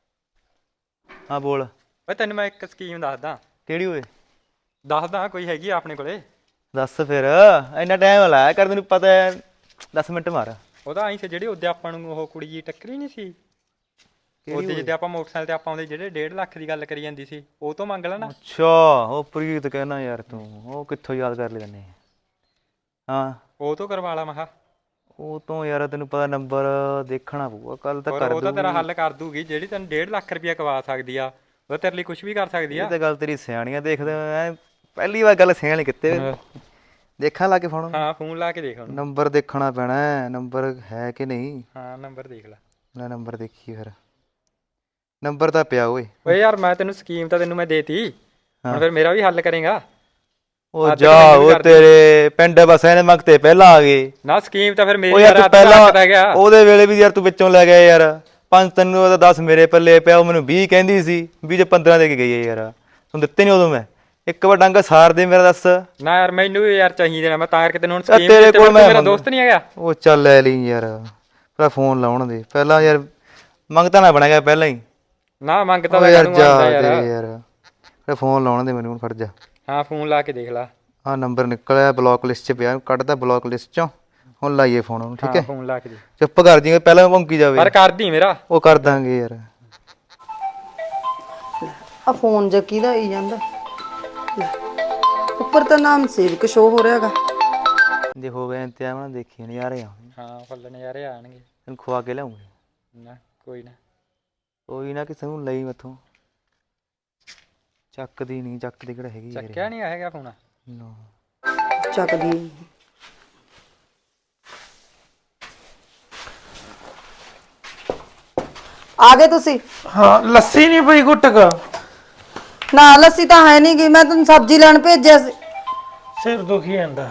S5: ਹਾਂ ਬੋਲ।
S6: ਓਏ ਤੈਨੂੰ ਮੈਂ ਇੱਕ ਸਕੀਮ ਦੱਸਦਾ।
S5: ਕਿਹੜੀ ਓਏ?
S6: ਦੱਸਦਾ, ਕੋਈ ਹੈਗੀ ਆ ਆਪਣੇ ਕੋਲੇ।
S5: ਦੱਸ ਫਿਰ, ਇੰਨਾ ਟਾਈਮ ਲਾਇਆ ਕਰ, ਤੈਨੂੰ ਪਤਾ ਹੈ। ਦਸ ਮਿੰਟ ਮਾਰ।
S6: ਉਹਦਾ ਆਈ ਸੀ ਜਿਹੜੀ ਉਹਦੇ ਆਪਾਂ ਨੂੰ ਉਹ ਕੁੜੀ ਜੀ ਟੱਕਰੀ ਨਹੀਂ ਸੀ। ਉਹਦੇ ਜਿੱਦੇ ਆਪਾਂ ਮੋਟਰਸਾਈਕਲ ਤੇ ਆਪਾਂ ਆਉਂਦੇ ਜਿਹੜੇ ਡੇਢ ਲੱਖ ਦੀ ਗੱਲ ਕਰੀ ਜਾਂਦੀ ਸੀ ਉਹ ਤੋਂ ਮੰਗ ਲੈਣਾ।
S5: ਅੱਛਾ ਉਹ ਪ੍ਰੀਤ ਕਹਿਣਾ ਯਾਰ ਤੂੰ ਉਹ ਕਿੱਥੋਂ ਯਾਦ ਕਰ ਲਿਆ ਤੈਨੇ? ਹਾਂ
S6: ਉਹ ਤੋਂ ਕਰਵਾ ਲਾ ਮਹਾ।
S5: ਉਹ ਤੋਂ ਯਾਰ ਤੈਨੂੰ ਪਤਾ ਨੰਬਰ ਦੇਖਣਾ ਪਊਗਾ ਕੱਲ ਤਾਂ
S6: ਹੋਰ
S5: ਕਰ
S6: ਉਹ ਤਾਂ ਤੇਰਾ
S5: ਦੂਗੀ।
S6: ਹੱਲ ਕਰ ਦੂਗੀ ਜਿਹੜੀ ਤੈਨੂੰ ਡੇਢ ਲੱਖ ਰੁਪਇਆ ਕਵਾ ਸਕਦੀ ਆ ਉਹ ਤੇਰੇ ਲਈ ਕੁਝ ਵੀ ਕਰ ਸਕਦੀ
S5: ਇਹ
S6: ਆ।
S5: ਤਾਂ ਗੱਲ ਤੇਰੀ ਸਿਆਣੀਆਂ ਦੇਖਦੇ ਐ ਪਹਿਲੀ ਵਾਰ ਗੱਲ ਸਿਆਣੀ ਕਿਤੇ ਦੇਖਾਂ ਲਾ ਕੇ ਫੋਨ।
S6: ਹਾਂ ਫੋਨ ਲਾ ਕੇ ਦੇਖ ਉਹਨੂੰ।
S5: ਨੰਬਰ ਦੇਖਣਾ ਪੈਣਾ ਹੈ, ਨੰਬਰ ਹੈ ਕਿ ਨਹੀਂ।
S6: ਹਾਂ ਨੰਬਰ ਦੇਖ ਲੈ।
S5: ਲੈ ਨੰਬਰ ਦੇਖੀ ਫਿਰ ਨੰਬਰ ਤਾਂ ਪਿਆ ਓਏ।
S6: ਓਏ ਯਾਰ ਮੈਂ ਤੈਨੂੰ ਸਕੀਮ ਤਾਂ ਤੈਨੂੰ ਮੈਂ ਦੇਤੀ ਹੁਣ ਫਿਰ ਮੇਰਾ ਵੀ ਹੱਲ ਕਰੇਗਾ।
S5: ਉਹ
S6: ਹੱਦ
S5: ਜਾ
S6: ਤਾਂ ਮੈਨੂੰ ਵੀ
S5: ਉਹ
S6: ਕਰ
S5: ਤੇਰੇ ਪਿੰਡ ਬਸ ਇਹਨੇ ਮੰਗਤੇ ਪਹਿਲਾਂ ਆ ਗਏ।
S6: ਨਾ ਸਕੀਮ ਤਾਂ ਫਿਰ
S5: ਉਹ
S6: ਮੇਰੀ
S5: ਯਾਰ
S6: ਯਾਰ
S5: ਤੂੰ
S6: ਹੱਥ ਦਾ
S5: ਪਹਿਲਾਂ
S6: ਗਿਆ।
S5: ਉਹਦੇ ਵੇਲੇ ਵੀ ਯਾਰ ਤੂੰ ਵਿੱਚੋਂ ਲੈ ਗਿਆ ਯਾਰ ਪੰਜ ਤੈਨੂੰ ਉਹਦਾ ਦਸ ਮੇਰੇ ਪੱਲੇ ਪਿਆ ਉਹ ਮੈਨੂੰ ਵੀਹ ਕਹਿੰਦੀ ਸੀ ਵੀਹ ਚ ਪੰਦਰਾਂ ਦੇ ਕੇ ਗਈ ਹੈ ਯਾਰ ਤੂੰ ਦਿੱਤੇ ਨਹੀਂ ਉਦੋਂ ਮੈਂ ਇੱਕ ਵਾਰ ਡੰਗ ਸਾਰ ਦੇ ਮੇਰਾ ਦੱਸ।
S6: ਨਾ ਯਾਰ ਮੈਨੂੰ ਵੀ ਯਾਰ ਚਾਹੀਦੇ ਨੇ ਮੈਂ ਤਾਂ ਕਰਕੇ ਤੈਨੂੰ ਹੁਣ
S5: ਚੱਲ
S6: ਸਕੀਮ
S5: ਤੇਰੇ
S6: ਦਿੱਤੀ
S5: ਕੋਲ
S6: ਤੂੰ
S5: ਮੈਂ
S6: ਮੇਰਾ
S5: ਮੰਗ-
S6: ਦੋਸਤ ਨਹੀਂ ਹੈਗਾ।
S5: ਉਹ ਚੱਲ ਲੈ ਲਈ ਯਾਰ ਪਹਿਲਾਂ ਫੋਨ ਲਾਉਣ ਦੇ ਪਹਿਲਾਂ ਯਾਰ ਮੰਗਤਾ ਨਾ ਬਣਾ ਗਿਆ ਪਹਿਲਾਂ ਹੀ।
S6: ਨਾ ਮੰਗਤਾ
S5: ਉਹ
S6: ਤਾਂ
S5: ਯਾਰ
S6: ਕਾਹਨੂੰ
S5: ਜਾ
S6: ਆਉਂਦਾ
S5: ਤੇਰੇ
S6: ਯਾਰ।
S5: ਯਾਰ ਪਹਿਲਾਂ ਫੋਨ ਲਾਉਣ ਦੇ ਮੈਨੂੰ ਹੁਣ ਖੜ ਜਾ।
S6: ਹਾਂ ਫੋਨ ਲਾ ਕੇ ਦੇਖ ਲੈ।
S5: ਆਹ ਨੰਬਰ ਨਿਕਲਿਆ ਬਲੌਕ ਲਿਸਟ 'ਚ ਪਿਆ ਕੱਢਦਾ ਬਲੌਕ ਲਿਸਟ 'ਚੋਂ ਹੁਣ ਲਾਈਏ ਫੋਨ ਉਹਨੂੰ ਠੀਕ
S6: ਹਾਂ
S5: ਹੈ।
S6: ਫੋਨ ਲਾ ਕੇ ਦੇ
S5: ਚੁੱਪ ਕਰ ਜੀ ਪਹਿਲਾਂ ਭੌਂਕੀ ਜਾਵੇ
S6: ਪਰ ਕਰਦੀ ਮੇਰਾ।
S5: ਉਹ ਕਰ ਦਾਂਗੇ ਯਾਰ।
S2: ਆ ਫੋਨ ਜਾਂ ਕਿਹਦਾ ਆਈ ਜਾਂਦਾ ਲੈ, ਉੱਪਰ ਤਾਂ ਨਾਮ ਸੇਵਕ ਸ਼ੋ ਹੋ ਰਿਹਾਗਾ।
S5: ਜੇ ਹੋ ਗਿਆ ਇੰਤਜ਼ਾਮ ਨਾ ਦੇਖੀ ਨਜ਼ਾਰੇ ਆਉਣਗੇ
S6: ਹਾਂ ਫੁੱਲ ਨਜ਼ਾਰੇ ਆਣਗੇ।
S5: ਤੈਨੂੰ ਖਵਾ ਕੇ ਲਿਆਉਂਗੇ।
S6: ਨਾ ਕੋਈ ਨਾ
S5: ਕੋਈ ਨਾ ਕਿਸੇ ਨੂੰ ਲਈ ਮੈਥੋਂ ਚੱਕਦੀ ਨਹੀਂ ਚੱਕਦੀ ਕਿਹੜਾ ਹੈਗੀ ਯਾਰ
S6: ਚੱਕਿਆ ਨਹੀਂ ਹੈਗਾ ਫੋਨ।
S5: ਨਾ
S2: ਚੱਕਦੀ ਆ ਗਏ ਤੁਸੀਂ?
S1: ਹਾਂ ਲੱਸੀ ਨਹੀਂ ਪਈ ਘੁੱਟਕ।
S2: ਨਾ ਲੱਸੀ ਤਾਂ ਹੈ ਨਹੀਂ ਗੀ ਮੈਂ ਤੁਹਾਨੂੰ ਸਬਜ਼ੀ ਲੈਣ ਭੇਜਿਆ ਸੀ।
S1: ਸਿਰ ਦੁਖੀ ਜਾਂਦਾ।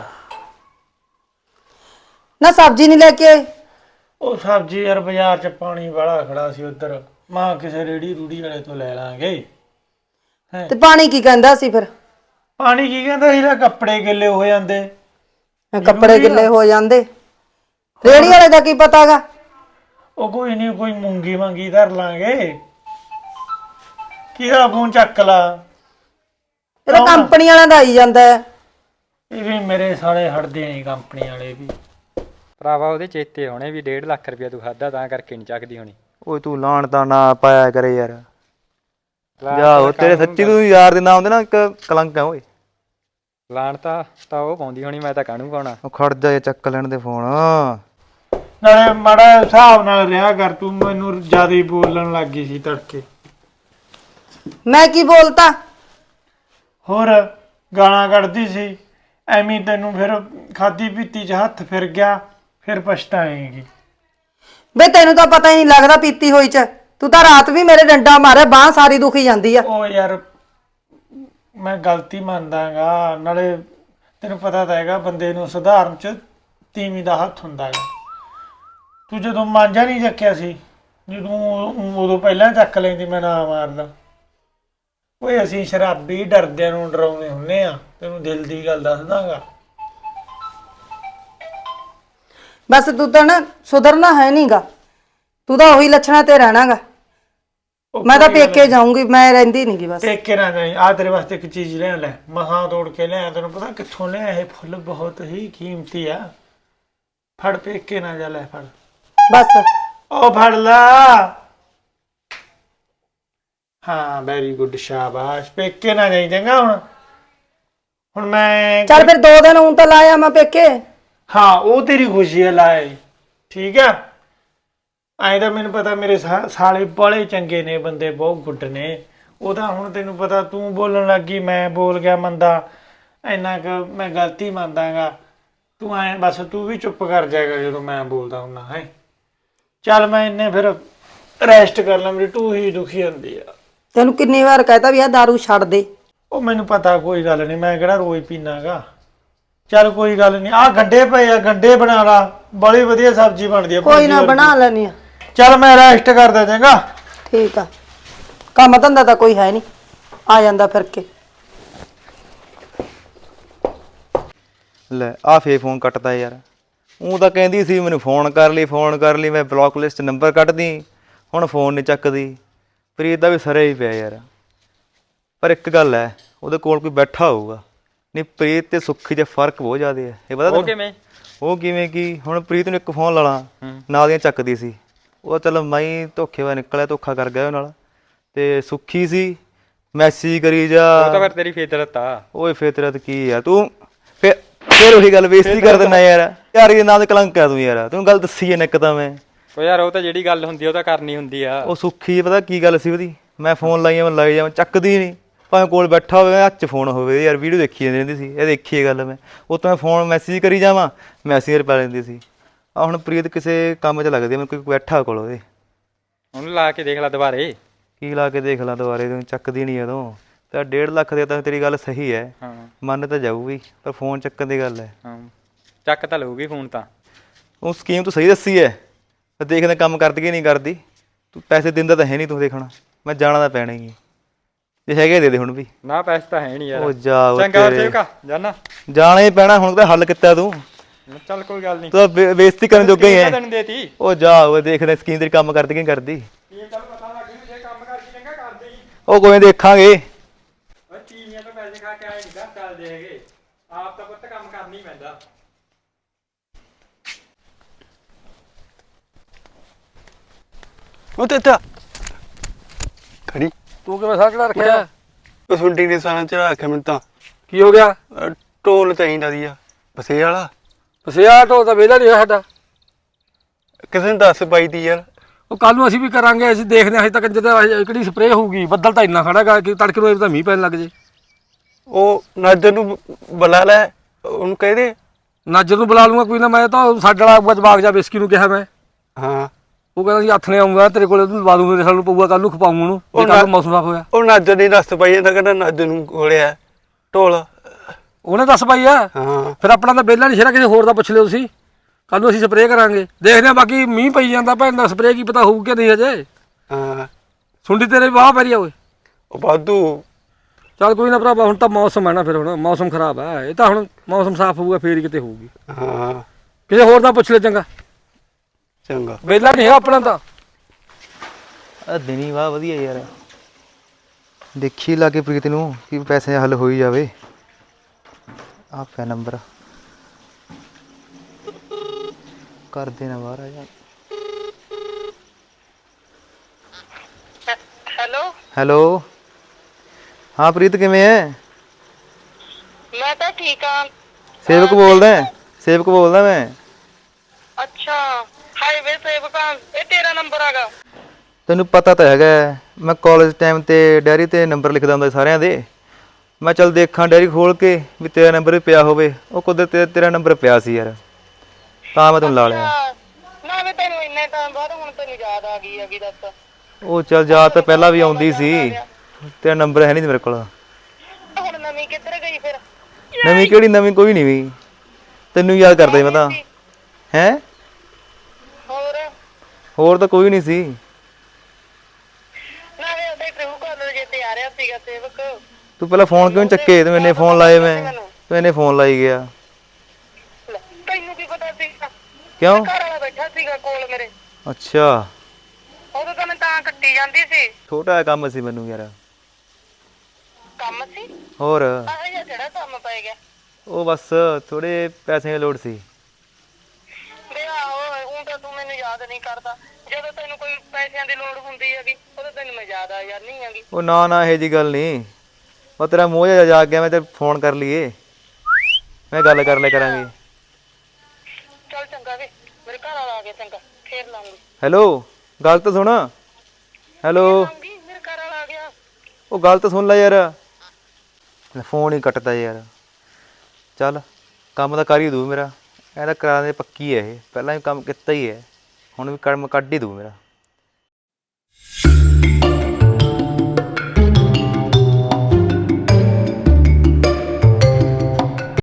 S2: ਨਾ ਸਬਜ਼ੀ ਨਹੀਂ ਲੈ ਕੇ ਆਏ?
S1: ਉਹ ਸਬਜ਼ੀ ਯਾਰ ਬਾਜ਼ਾਰ 'ਚ ਪਾਣੀ ਵਾਲਾ ਖੜਾ ਸੀ ਉੱਧਰ ਮਾਂ ਕਿਸੇ ਰੇੜੀ ਰੂੜੀ ਵਾਲੇ ਤੋਂ ਲੈ ਲਾਂਗੇ।
S2: ਤੇ ਪਾਣੀ ਕੀ ਕਹਿੰਦਾ ਸੀ ਫਿਰ?
S1: ਪਾਣੀ ਕੀ ਕਹਿੰਦਾ ਇਹਦਾ ਕੱਪੜੇ ਗਿੱਲੇ ਹੋ ਜਾਂਦੇ।
S2: ਕੱਪੜੇ ਗਿੱਲੇ ਹੋ ਜਾਂਦੇ ਰੇੜੀ ਵਾਲੇ ਦਾ ਕੀ ਪਤਾਗਾ?
S1: ਉਹ ਕੋਈ ਨਹੀਂ ਕੋਈ ਮੂੰਗੀ ਮੰਗੀ ਧਰ ਲਾਂਗੇ। ਕਿਹਦਾ ਫੋਨ ਚੱਕ ਲਾ।
S2: ਇਹ ਤਾਂ ਕੰਪਨੀ ਵਾਲਿਆਂ ਦਾ ਆਈ ਜਾਂਦਾ ਹੈ।
S1: ਇਹ ਵੀ ਮੇਰੇ ਸਾਲੇ ਹਟਦੇ ਨਹੀਂ ਕੰਪਨੀ ਵਾਲੇ ਵੀ।
S6: ਭਰਾਵਾ ਉਹਦੇ ਚੇਤੇ ਹੋਣੇ ਵੀ ਡੇਢ ਲੱਖ ਰੁਪਇਆ ਤੂੰ ਖਾਦਾ ਤਾਂ ਕਰਕੇ ਨਹੀਂ ਚੱਕਦੀ ਹੋਣੀ।
S5: ਓਏ ਤੂੰ ਲਾਣ ਤਾਂ ਨਾ ਪਾਇਆ ਕਰੇ ਯਾਰ ਜਾ ਉਹ ਤੇਰੇ ਸੱਚੀ ਤੂੰ ਯਾਰ ਦੇ ਨਾਮ ਦੇ ਨਾ ਇੱਕ ਕਲੰਕ ਆ ਓਏ।
S6: ਲਾਣ ਤਾਂ ਤਾਂ ਉਹ ਪਾਉਂਦੀ ਹੋਣੀ ਮੈਂ ਤਾਂ ਕਾਹਨੂੰ ਪਾਉਣਾ।
S5: ਉਹ ਖੜ ਜਾ ਇਹ ਚੱਕ ਲੈਣ ਦੇ ਫੋਨ।
S1: ਨਾਲੇ ਮਾੜਾ ਹਿਸਾਬ ਨਾਲ ਰਿਹਾ ਕਰ ਤੂੰ ਮੈਨੂੰ ਜ਼ਿਆਦਾ ਹੀ ਬੋਲਣ ਲੱਗ ਗਈ ਸੀ ਤੜਕੇ।
S2: ਮੈਂ ਕੀ ਬੋਲਤਾ?
S1: ਹੋਰ ਗਾਲਾਂ ਕੱਢਦੀ ਸੀ ਐਵੇਂ ਤੈਨੂੰ ਫਿਰ ਖਾਦੀ ਪੀਤੀ 'ਚ ਹੱਥ ਫਿਰ ਗਿਆ ਫਿਰ ਪਛਤਾਏਂਗੀ।
S2: ਬੇ ਤੈਨੂੰ ਤਾਂ ਪਤਾ ਹੀ ਨਹੀਂ ਲੱਗਦਾ ਪੀਤੀ ਹੋਈ ਚ। ਤੂੰ ਤਾਂ ਰਾਤ ਵੀ ਮੇਰੇ ਡੰਡਾ ਮਾਰਿਆ ਬਾਹ ਸਾਰੀ ਦੁਖੀ ਜਾਂਦੀ ਆ।
S1: ਉਹ ਯਾਰ ਮੈਂ ਗਲਤੀ ਮੰਨਦਾਗਾ ਨਾਲੇ ਤੈਨੂੰ ਪਤਾ ਤਾਂ ਹੈਗਾ ਬੰਦੇ ਨੂੰ ਸੁਧਾਰਨ 'ਚ ਤੀਵੀਂ ਦਾ ਹੱਥ ਹੁੰਦਾ ਹੈਗਾ। ਤੂੰ ਜਦੋਂ ਮਾਂਜਾ ਨਹੀਂ ਚੱਕਿਆ ਸੀ ਜਦੋਂ ਉਦੋਂ ਪਹਿਲਾਂ ਚੱਕ ਲੈਂਦੀ ਮੈਂ ਨਾ ਮਾਰਦਾ। ਓਏ ਅਸੀਂ ਸ਼ਰਾਬੀ ਡਰਦਿਆਂ ਨੂੰ ਡਰਾਉਂਦੇ ਹੁੰਨੇ ਆ ਤੈਨੂੰ ਦਿਲ ਦੀ ਗੱਲ ਦੱਸਦਾਗਾ।
S2: ਬਸ ਤੂੰ ਤਾਂ ਨਾ ਸੁਧਰਨਾ ਹੈ ਨਹੀਂਗਾ। ਤੂੰ ਤਾਂ ਉਹੀ ਲੱਛਣਾ ਤੇ ਰਹਿਣਾਗਾ। ਮੈਂ ਤਾਂ ਪੇਕੇ ਜਾਊਂਗੀ ਮੈਂ ਰਹਿੰਦੀ ਨਹੀਂਗੀ ਬਸ।
S1: ਪੇਕੇ ਨਾ ਜਾਈ ਆ ਤੇਰੇ ਵਾਸਤੇ ਇੱਕ ਚੀਜ਼ ਲੈ ਲੈ ਮਹਾਂ ਤੋੜ ਕੇ ਲਿਆ ਤੈਨੂੰ ਪਤਾ ਕਿੱਥੋਂ ਲਿਆ ਇਹ ਫੁੱਲ ਬਹੁਤ ਹੀ ਕੀਮਤੀ ਆ। ਫੜ ਪੇਕੇ ਨਾ ਜਾ ਲੈ ਫੜ
S2: ਬਸ
S1: ਉਹ ਫੜ ਲਾ। ਹਾਂ ਵੈਰੀ ਗੁੱਡ ਸ਼ਾਬਾਸ਼ ਪੇਕੇ ਨਾ ਜਾਈ ਚੰਗਾ ਹੁਣ। ਹੁਣ ਮੈਂ
S2: ਚੱਲ ਫਿਰ ਦੋ ਦਿਨ ਹੁਣ ਤਾਂ ਲਾਇਆ ਮੈਂ ਪੇਕੇ।
S1: ਹਾਂ ਉਹ ਤੇਰੀ ਖੁਸ਼ੀ ਹੈ ਲਾਏ ਠੀਕ ਆ। ਐਂ ਤਾਂ ਮੈਨੂੰ ਪਤਾ ਮੇਰੇ ਸਾ- ਸਾਲੇ ਬੜੇ ਚੰਗੇ ਨੇ ਬੰਦੇ ਬਹੁਤ ਗੁੱਡ ਨੇ। ਉਹਦਾ ਹੁਣ ਤੈਨੂੰ ਪਤਾ ਤੂੰ ਬੋਲਣ ਲੱਗੀ ਮੈਂ ਬੋਲ ਗਿਆ ਮੰਦਾ ਇੰਨਾ ਕੁ ਮੈਂ ਗਲਤੀ ਮੰਨਦਾਗਾ। ਤੂੰ ਐਂ ਬਸ ਤੂੰ ਵੀ ਚੁੱਪ ਕਰ ਜਾਏਗਾ ਜਦੋਂ ਮੈਂ ਬੋਲਦਾ ਹੁੰਦਾ ਹੈ। ਚੱਲ ਮੈਂ ਇੰਨੇ ਫਿਰ ਰੈਸਟ ਕਰ ਲਾਂ ਮੇਰੀ ਟੂ ਹੀ ਦੁਖੀ ਹੁੰਦੀ ਆ।
S2: ਤੈਨੂੰ ਕਿੰਨੀ ਵਾਰ ਕਹਿਤਾ ਵੀ ਆ ਦਾਰੂ ਛੱਡ ਦੇ।
S1: ਉਹ ਮੈਨੂੰ ਪਤਾ ਕੋਈ ਗੱਲ ਨਹੀਂ ਮੈਂ ਕਿਹੜਾ ਰੋਜ਼ ਪੀਣਾਗਾ। ਚੱਲ ਕੋਈ ਗੱਲ ਨਹੀਂ ਆ ਗੰਡੇ ਪਏ ਆ ਗੰਡੇ ਬਣਾ ਲਾ ਬੜੀ ਵਧੀਆ ਸਬਜ਼ੀ ਬਣਦੀ ਆ।
S2: ਕੋਈ ਨਾ ਬਣਾ ਲੈਣੀ ਆ।
S1: ਚੱਲ ਮੈਂ ਰੈਸਟ ਕਰਦਾ ਚੰਗਾ।
S2: ਠੀਕ ਆ ਕੰਮ ਧੰਦਾ ਤਾਂ ਕੋਈ ਹੈ ਨਹੀਂ ਆ ਜਾਂਦਾ ਫਿਰ ਕੇ।
S5: ਲੈ ਆ ਫੇ ਫੋਨ ਕੱਟਦਾ ਯਾਰ। ਉਹ ਤਾਂ ਕਹਿੰਦੀ ਸੀ ਮੈਨੂੰ ਫੋਨ ਕਰ ਲਈ ਫੋਨ ਕਰ ਲਈ ਮੈਂ ਬਲੌਕ ਲਿਸਟ ਨੰਬਰ ਕੱਢਦੀ ਹੁਣ ਫੋਨ ਨਹੀਂ ਚੱਕਦੀ। ਪ੍ਰੀਤ ਦਾ ਵੀ ਸਰੇ ਹੀ ਪਿਆ ਯਾਰ। ਪਰ ਇੱਕ ਗੱਲ ਹੈ ਉਹਦੇ ਕੋਲ ਕੋਈ ਬੈਠਾ ਹੋਊਗਾ ਨਹੀਂ ਪ੍ਰੀਤ ਤੇ ਸੁੱਖੀ 'ਚ ਫਰਕ ਬਹੁਤ ਜ਼ਿਆਦਾ ਹੈ ਇਹ ਪਤਾ
S6: ਉਹ
S5: ਤੈਨੂੰ?
S6: ਕਿਵੇਂ?
S5: ਉਹ ਕਿਵੇਂ ਕੀ ਹੁਣ ਪ੍ਰੀਤ ਨੂੰ ਇੱਕ ਫੋਨ ਲਾ ਲਾ ਨਾਲ ਦੀਆਂ ਚੱਕਦੀ ਸੀ ਉਹ ਚਲ ਮੈਂ ਹੀ ਧੋਖੇ ਵਾ ਨਿਕਲਿਆ, ਧੋਖਾ ਕਰ ਗਿਆ ਉਹ ਨਾਲ। ਤੇ ਸੁੱਖੀ ਸੀ, ਮੈਸੇਜ ਕਰੀ ਜਾ।
S6: ਉਹ ਤਾਂ ਫਿਰ ਤੇਰੀ ਫਿਤਰਤ ਆ।
S5: ਓਏ ਫਿਤਰਤ ਕੀ ਆ ਤੂੰ? ਫਿਰ ਫਿਰ ਉਹੀ ਗੱਲ ਬੇਇੱਜ਼ਤੀ ਕਰ ਦਿੰਦਾ ਯਾਰ। ਯਾਰ ਇਹ ਨਾਂ ਦੇ ਕਲੰਕ ਆ ਤੂੰ ਯਾਰ, ਤੈਨੂੰ ਗੱਲ ਦੱਸੀ ਐ ਇੱਕ ਤਾਂ ਮੈਂ।
S6: ਉਹ ਯਾਰ ਉਹ ਤਾਂ ਜਿਹੜੀ ਗੱਲ ਹੁੰਦੀ ਉਹ ਤਾਂ ਕਰਨੀ ਹੁੰਦੀ ਆ।
S5: ਉਹ ਸੁੱਖੀ ਪਤਾ ਕੀ ਗੱਲ ਸੀ ਉਹਦੀ, ਮੈਂ ਫੋਨ ਲਾਈਆਂ ਮੈਂ ਲਾਈ ਜਾਵਾਂ, ਚੱਕਦੀ ਨਹੀਂ। ਭਾਵੇਂ ਕੋਲ ਬੈਠਾ ਹੋਵੇ, ਹੱਥ 'ਚ ਫੋਨ ਹੋਵੇ, ਯਾਰ ਵੀਡੀਓ ਦੇਖੀ ਜਾਂਦੀ ਰਹਿੰਦੀ ਸੀ। ਇਹ ਦੇਖੀ ਇਹ ਗੱਲ ਮੈਂ, ਉਹ ਤਾਂ ਮੈਂ ਫੋਨ ਮੈਸੇਜ ਕਰੀ ਜਾਵਾਂ, ਮੈਸੇਜ ਪਾ ਲੈਂਦੀ ਸੀ। ਆ ਹੁਣ ਪ੍ਰੀਤ ਕਿਸੇ ਕੰਮ 'ਚ ਲੱਗਦੀ, ਮੈਨੂੰ ਕੋਈ ਬੈਠਾ ਕੋਲ ਉਹਦੇ।
S6: ਉਹਨੂੰ ਲਾ ਕੇ ਦੇਖ ਲੈ ਦੁਬਾਰੇ।
S5: ਕੀ ਲਾ ਕੇ ਦੇਖ ਲਾਂ ਦੁਬਾਰੇ, ਤੂੰ ਚੱਕਦੀ ਨਹੀਂ ਉਦੋਂ। ਤਾਂ ਡੇਢ ਲੱਖ ਦੇ ਤਾਂ ਤੇਰੀ ਗੱਲ ਸਹੀ ਹੈ,
S6: ਹਾਂ
S5: ਮੰਨ ਤਾਂ ਜਾਊਗੀ, ਪਰ ਫੋਨ ਚੱਕਣ ਦੀ ਗੱਲ ਹੈ।
S6: ਹਾਂ ਚੱਕ ਤਾਂ ਲਊਗੀ ਫੋਨ ਤਾਂ।
S5: ਉਹ ਸਕੀਮ ਤੂੰ ਸਹੀ ਦੱਸੀ ਹੈ, ਪਰ ਦੇਖਦੇ ਕੰਮ ਕਰਦੀ ਕਿ ਨਹੀਂ ਕਰਦੀ। ਤੂੰ ਪੈਸੇ ਦਿੰਦਾ ਤਾਂ ਹੈ ਨਹੀਂ, ਤੂੰ ਦੇਖਣਾ ਮੈਂ ਜਾਣਾ ਤਾਂ ਪੈਣਾ ਹੀ ਹੈ। ਜੇ ਹੈਗੇ ਦੇ ਦੇ ਹੁਣ ਵੀ।
S6: ਨਾ ਪੈਸੇ ਤਾਂ ਹੈ ਨਹੀਂ ਯਾਰ।
S5: ਉਹ ਜਾ ਉਹ
S6: ਚੰਗਾ
S5: ਤੇਰੇ-
S6: ਸੇਵਕਾ ਜਾਨਾ।
S5: ਜਾਣਾ ਹੀ ਪੈਣਾ ਹੁਣ, ਤਾਂ ਹੱਲ ਕੀਤਾ ਤੂੰ।
S6: ਚੱਲ ਕੋਈ ਗੱਲ ਨਹੀਂ।
S5: ਤੂੰ ਤਾਂ ਬੇ- ਬੇਇੱਜ਼ਤੀ ਕਰਨ ਜੋਗਾ ਹੀ ਹੈ।
S6: ਤੈਨੂੰ ਦੇਤੀ।
S5: ਉਹ ਜਾ ਉਹ ਦੇਖਦੇ ਸਕੀਮ ਤੇਰੀ ਕੰਮ ਕਰਦੀ ਕਿ ਨਹੀਂ ਕਰਦੀ।
S6: ਕੀ ਚੱਲ ਪਤਾ ਲੱਗ ਜੂ, ਜੇ ਕੰਮ ਕਰਦੀ ਚੰਗਾ ਕਰਦੇ ਹੀ।
S5: ਉਹ ਕੋਈ ਨੀ ਦੇਖਾਂਗੇ।
S6: ਓਏ ਤੀਵੀਆਂ ਤੋਂ ਪੈਸੇ ਖਾ ਕੇ ਆਏ ਨਹੀਂ ਘਰ ਚੱਲਦੇ ਹੈਗੇ, ਆਪ ਤਾਂ ਪੁੱਤ ਕੰਮ ਕਰਨਾ ਹੀ ਪੈਂਦਾ।
S7: ਉਹ ਤੇਤਾ ਖੜੀ
S8: ਤੂੰ ਕਿਵੇਂ ਸਾਹ ਚੜਾ ਰੱਖਿਆ?
S7: ਉਹ ਸੁੰਡੀ ਨੇ ਸਾਹ ਚੜਾ ਰੱਖਿਆ ਮੈਨੂੰ ਤਾਂ।
S8: ਕੀ ਹੋ ਗਿਆ?
S7: ਅਹ ਢੋਲ ਚਾਹੀਦਾ ਦੀ ਆ ਬਸੇ ਵਾਲਾ।
S8: ਪਸਿਆ ਢੋਲ ਤਾਂ ਵਿਹਲਾ ਨਹੀਂ ਹੋਇਆ ਸਾਡਾ।
S7: ਕਿਸੇ ਨੂੰ ਦੱਸ ਪਾਈ ਤੀ ਯਾਰ।
S8: ਉਹ ਕੱਲ ਨੂੰ ਅਸੀਂ ਵੀ ਕਰਾਂਗੇ, ਅਸੀਂ ਦੇਖਦੇ ਹਾਂ। ਹਜੇ ਤੱਕ ਜਦੋਂ ਕਿਹੜੀ ਸਪਰੇਅ ਹੋਊਗੀ, ਬੱਦਲ ਤਾਂ ਇੰਨਾ ਖੜਾ ਗਾ ਕਿ ਤੜਕੇ ਨੂੰ ਤਾਂ ਮੀਂਹ ਪੈਣ ਲੱਗ ਜੇ।
S7: ਉਹ ਨਾਜਰ ਨੂੰ ਬੁਲਾ ਲੈ, ਉਹਨੂੰ ਕਹਿ ਦੇ।
S8: ਨਾਜਰ ਨੂੰ ਬੁਲਾ ਲੂੰਗਾ ਕੋਈ ਨਾ, ਮੈਂ ਤਾਂ ਸਾਡੇ ਵਾਲਾ ਜਵਾਕ ਜਾ ਬਿਸਕੀ ਨੂੰ ਕਿਹਾ ਮੈਂ।
S7: ਹਾਂ
S8: ਉਹ ਕਹਿੰਦਾ ਸੀ ਹੱਥ ਨੇ ਆਉਂਗਾ ਤੇਰੇ ਕੋਲੇ, ਉਹਨੂੰ ਲਵਾ ਦੂੰਗਾ, ਸਾਨੂੰ ਪਊਗਾ ਕੱਲ ਨੂੰ ਖਪਾਊਂ ਉਹਨੂੰ, ਜੇ ਕੱਲ ਨੂੰ ਮੌਸਮ ਸਾਫ ਹੋਇਆ।
S7: ਉਹ ਨਾਜਰ ਨੇ ਦੱਸ ਪਾਈ ਜਾਂਦਾ, ਕਹਿੰਦਾ ਨਾਜਰ ਨੂੰ ਕੋਲਿਆ ਢੋਲ।
S8: ਉਹਨੇ ਦੱਸ ਪਾਈ ਆ।
S7: ਹਾਂ
S8: ਫਿਰ ਆਪਣਾ ਤਾਂ ਵਿਹਲਾ ਨਹੀਂ ਸ਼ੇਰਾ, ਕਿਸੇ ਹੋਰ ਦਾ ਪੁੱਛ ਲਿਓ ਤੁਸੀਂ। ਕੱਲ ਨੂੰ ਅਸੀਂ ਸਪਰੇਅ ਕਰਾਂਗੇ, ਦੇਖਦੇ ਹਾਂ। ਬਾਕੀ ਮੀਂਹ ਪਈ ਜਾਂਦਾ ਭੈਣ ਦਾ, ਸਪਰੇਅ ਕੀ ਪਤਾ ਹੋਊ ਕਿ ਨਹੀਂ ਹਜੇ।
S7: ਹਾਂ
S8: ਸੁੰਡੀ ਤੇਰੇ ਵਾਹ ਪੈ ਰਹੀ ਆ ਓਏ।
S7: ਉਹ ਵਾਧੂ।
S8: ਚੱਲ ਕੋਈ ਨਾ ਭਰਾਵਾ, ਹੁਣ ਤਾਂ ਮੌਸਮ ਹੈ ਨਾ, ਫਿਰ ਹੁਣ ਮੌਸਮ ਖਰਾਬ ਹੈ। ਇਹ ਤਾਂ ਹੁਣ ਮੌਸਮ ਸਾਫ਼ ਹੋਊਗਾ ਫੇਰ ਹੀ ਕਿਤੇ ਹੋਊਗੀ।
S7: ਹਾਂ
S8: ਕਿਸੇ ਹੋਰ ਦਾ ਪੁੱਛ ਲੈ ਚੰਗਾ,
S7: ਚੰਗਾ।
S8: ਵਿਹਲਾ ਨਹੀਂ ਹੈ ਆਪਣਾ ਤਾਂ।
S5: ਆ ਦਿਨੀ ਵਾਹ ਵਧੀਆ ਯਾਰ, ਦੇਖੀ ਲਾ ਕੇ ਪ੍ਰੀਤ ਨੂੰ ਕਿ ਪੈਸੇ ਹੱਲ ਹੋਈ ਜਾਵੇ। ਆ ਪਿਆ ਨੰਬਰ, ਕਰ ਦੇਣਾ ਬਾਹਰ ਆ ਜਾ।
S2: ਹੈਲੋ
S5: ਹੈਲੋ, ਹਾਂ ਪ੍ਰੀਤ ਕਿਵੇਂ ਐ?
S2: ਮੈਂ ਤਾਂ ਠੀਕ ਆ।
S5: ਸੇਵਕ ਬੋਲਦਾ, ਸੇਵਕ ਬੋਲਦਾ ਮੈਂ।
S2: ਅੱਛਾ ਹਾਈਵੇ ਸੇਵਕਾ, ਇਹ ਤੇਰਾ ਨੰਬਰ ਹੈਗਾ?
S5: ਤੈਨੂੰ ਪਤਾ ਤਾਂ ਹੈਗਾ, ਮੈਂ ਕਾਲਜ ਟਾਈਮ ਤੇ ਡੈਰੀ ਤੇ ਨੰਬਰ ਲਿਖਦਾ ਹੁੰਦਾ ਸਾਰਿਆਂ ਦੇ। ਮੈਂ ਚੱਲ ਦੇਖਾਂ ਡੈਰੀ ਖੋਲ ਕੇ ਵੀ ਤੇਰਾ ਨੰਬਰ ਵੀ ਪਿਆ ਹੋਵੇ। ਉਹ ਕੁਦਰਤ ਤੇ ਤੇਰਾ ਨੰਬਰ ਪਿਆ ਸੀ ਯਾਰ, ਤਾਂ ਮੈਂ ਤੈਨੂੰ ਲਾ ਲਿਆ।
S2: ਨਾ ਮੈਂ ਤੈਨੂੰ ਇੰਨੇ ਟਾਈਮ ਬਾਅਦ ਹੁਣ ਤੈਨੂੰ ਯਾਦ ਆ ਗਈ ਹੈਗੀ, ਦੱਸ।
S5: ਉਹ ਚੱਲ ਯਾਦ ਤਾਂ ਪਹਿਲਾਂ ਵੀ ਆਉਂਦੀ ਸੀ, ਤੇਰਾ ਨੰਬਰ ਹੈ ਨਹੀਂ ਮੇਰੇ ਕੋਲ।
S2: ਹੁਣ ਨਵੀਂ ਕਿੱਧਰ ਗਈ ਫਿਰ?
S5: ਨਵੀਂ ਕਿਹੜੀ ਨਵੀਂ, ਕੋਈ ਨਹੀਂ ਵੀ ਤੈਨੂੰ ਯਾਦ ਕਰਦਾ ਸੀ ਮੈਂ ਤਾਂ। ਹੈਂ
S2: ਹੋਰ
S5: ਹੋਰ ਤਾਂ ਕੋਈ ਨਹੀਂ ਸੀ।
S2: ਨਾਲੇ ਉਹਦੇ ਟਰੂ ਕਾਲਰ ਜੇ ਤੇ ਆ ਰਿਹਾ ਸੀਗਾ ਸੇਵਕ।
S5: ਤੂੰ ਪਹਿਲਾਂ ਫੋਨ ਕਿਉਂ ਨੀ ਚੱਕੇ? ਤੂੰ ਇੰਨੇ ਫੋਨ ਲਾਏ, ਮੈਂ ਤੂੰ ਇੰਨੇ ਫੋਨ ਲਾਈ ਗਿਆ।
S2: ਲੈ, ਤੈਨੂੰ ਕੀ ਪਤਾ ਸੀਗਾ?
S5: ਕਿਉਂ?
S2: ਘਰ ਵਾਲਾ ਬੈਠਾ ਸੀਗਾ ਕੋਲ ਮੇਰੇ,
S5: ਅੱਛਾ,
S2: ਉਦੋਂ ਤਾਂ ਮੈਂ ਤਾਂ ਕੱਟੀ ਜਾਂਦੀ ਸੀ।
S5: ਛੋਟਾ ਜਿਹਾ ਕੰਮ ਸੀ ਮੈਨੂੰ ਯਾਰ।
S2: ਕੰਮ ਸੀ?
S5: ਹੋਰ
S2: ਆਹ ਜਿਹਾ ਕਿਹੜਾ ਕੰਮ ਪੈ ਗਿਆ?
S5: ਉਹ ਬਸ ਥੋੜੇ ਪੈਸੇ ਦੀ ਲੋੜ ਸੀ।
S2: ਵੇ ਆਹੋ, ਊਂ ਤਾਂ ਤੂੰ ਮੈਨੂੰ ਯਾਦ ਨਹੀਂ ਕਰਦਾ। ਜਦੋਂ ਤੈਨੂੰ ਕੋਈ ਪੈਸਿਆਂ ਦੀ ਲੋੜ ਹੁੰਦੀ ਹੈਗੀ, ਉਦੋਂ ਤੈਨੂੰ ਮੈਂ ਯਾਦ ਆ ਜਾਂਦੀ ਹੈਗੀ।
S5: ਉਹ ਨਾ ਨਾ ਇਹੋ ਜਿਹੀ ਗੱਲ ਨਹੀਂ, ਉਹ ਤੇਰਾ ਮੋਹ ਜਿਹਾ ਜਾਗ ਗਿਆ, ਮੈਂ ਤੇ ਫੋਨ ਕਰ ਲਈਏ, ਮੈਂ ਗੱਲ ਕਰ ਲਿਆ ਕਰਾਂਗੇ।
S2: ਚੱਲ ਚੰਗਾ ਵੇ, ਮੇਰੇ ਘਰ ਵਾਲਾ ਆ ਗਿਆ, ਚੰਗਾ ਫੇਰ ਲਾਉਂਗੀ।
S5: ਹੈਲੋ, ਗੱਲ ਤਾਂ ਸੁਣ। ਹੈਲੋ,
S2: ਲਾਉਂਗੀ, ਮੇਰੇ ਘਰ ਵਾਲਾ ਆ ਗਿਆ।
S5: ਉਹ ਗੱਲ ਤਾਂ ਸੁਣ ਲੈ ਯਾਰ, ਫੋਨ ਹੀ ਕੱਟਦਾ ਯਾਰ। ਚੱਲ ਕੰਮ ਤਾਂ ਕਰ ਹੀ ਦੂ ਮੇਰਾ, ਇਹਦਾ ਕਰਾ ਦੇ ਪੱਕੀ ਹੈ ਇਹ, ਪਹਿਲਾਂ ਵੀ ਕੰਮ ਕੀਤਾ ਹੀ ਹੈ, ਹੁਣ ਵੀ ਕੰਮ ਕੱਢ ਹੀ ਦੂ ਮੇਰਾ।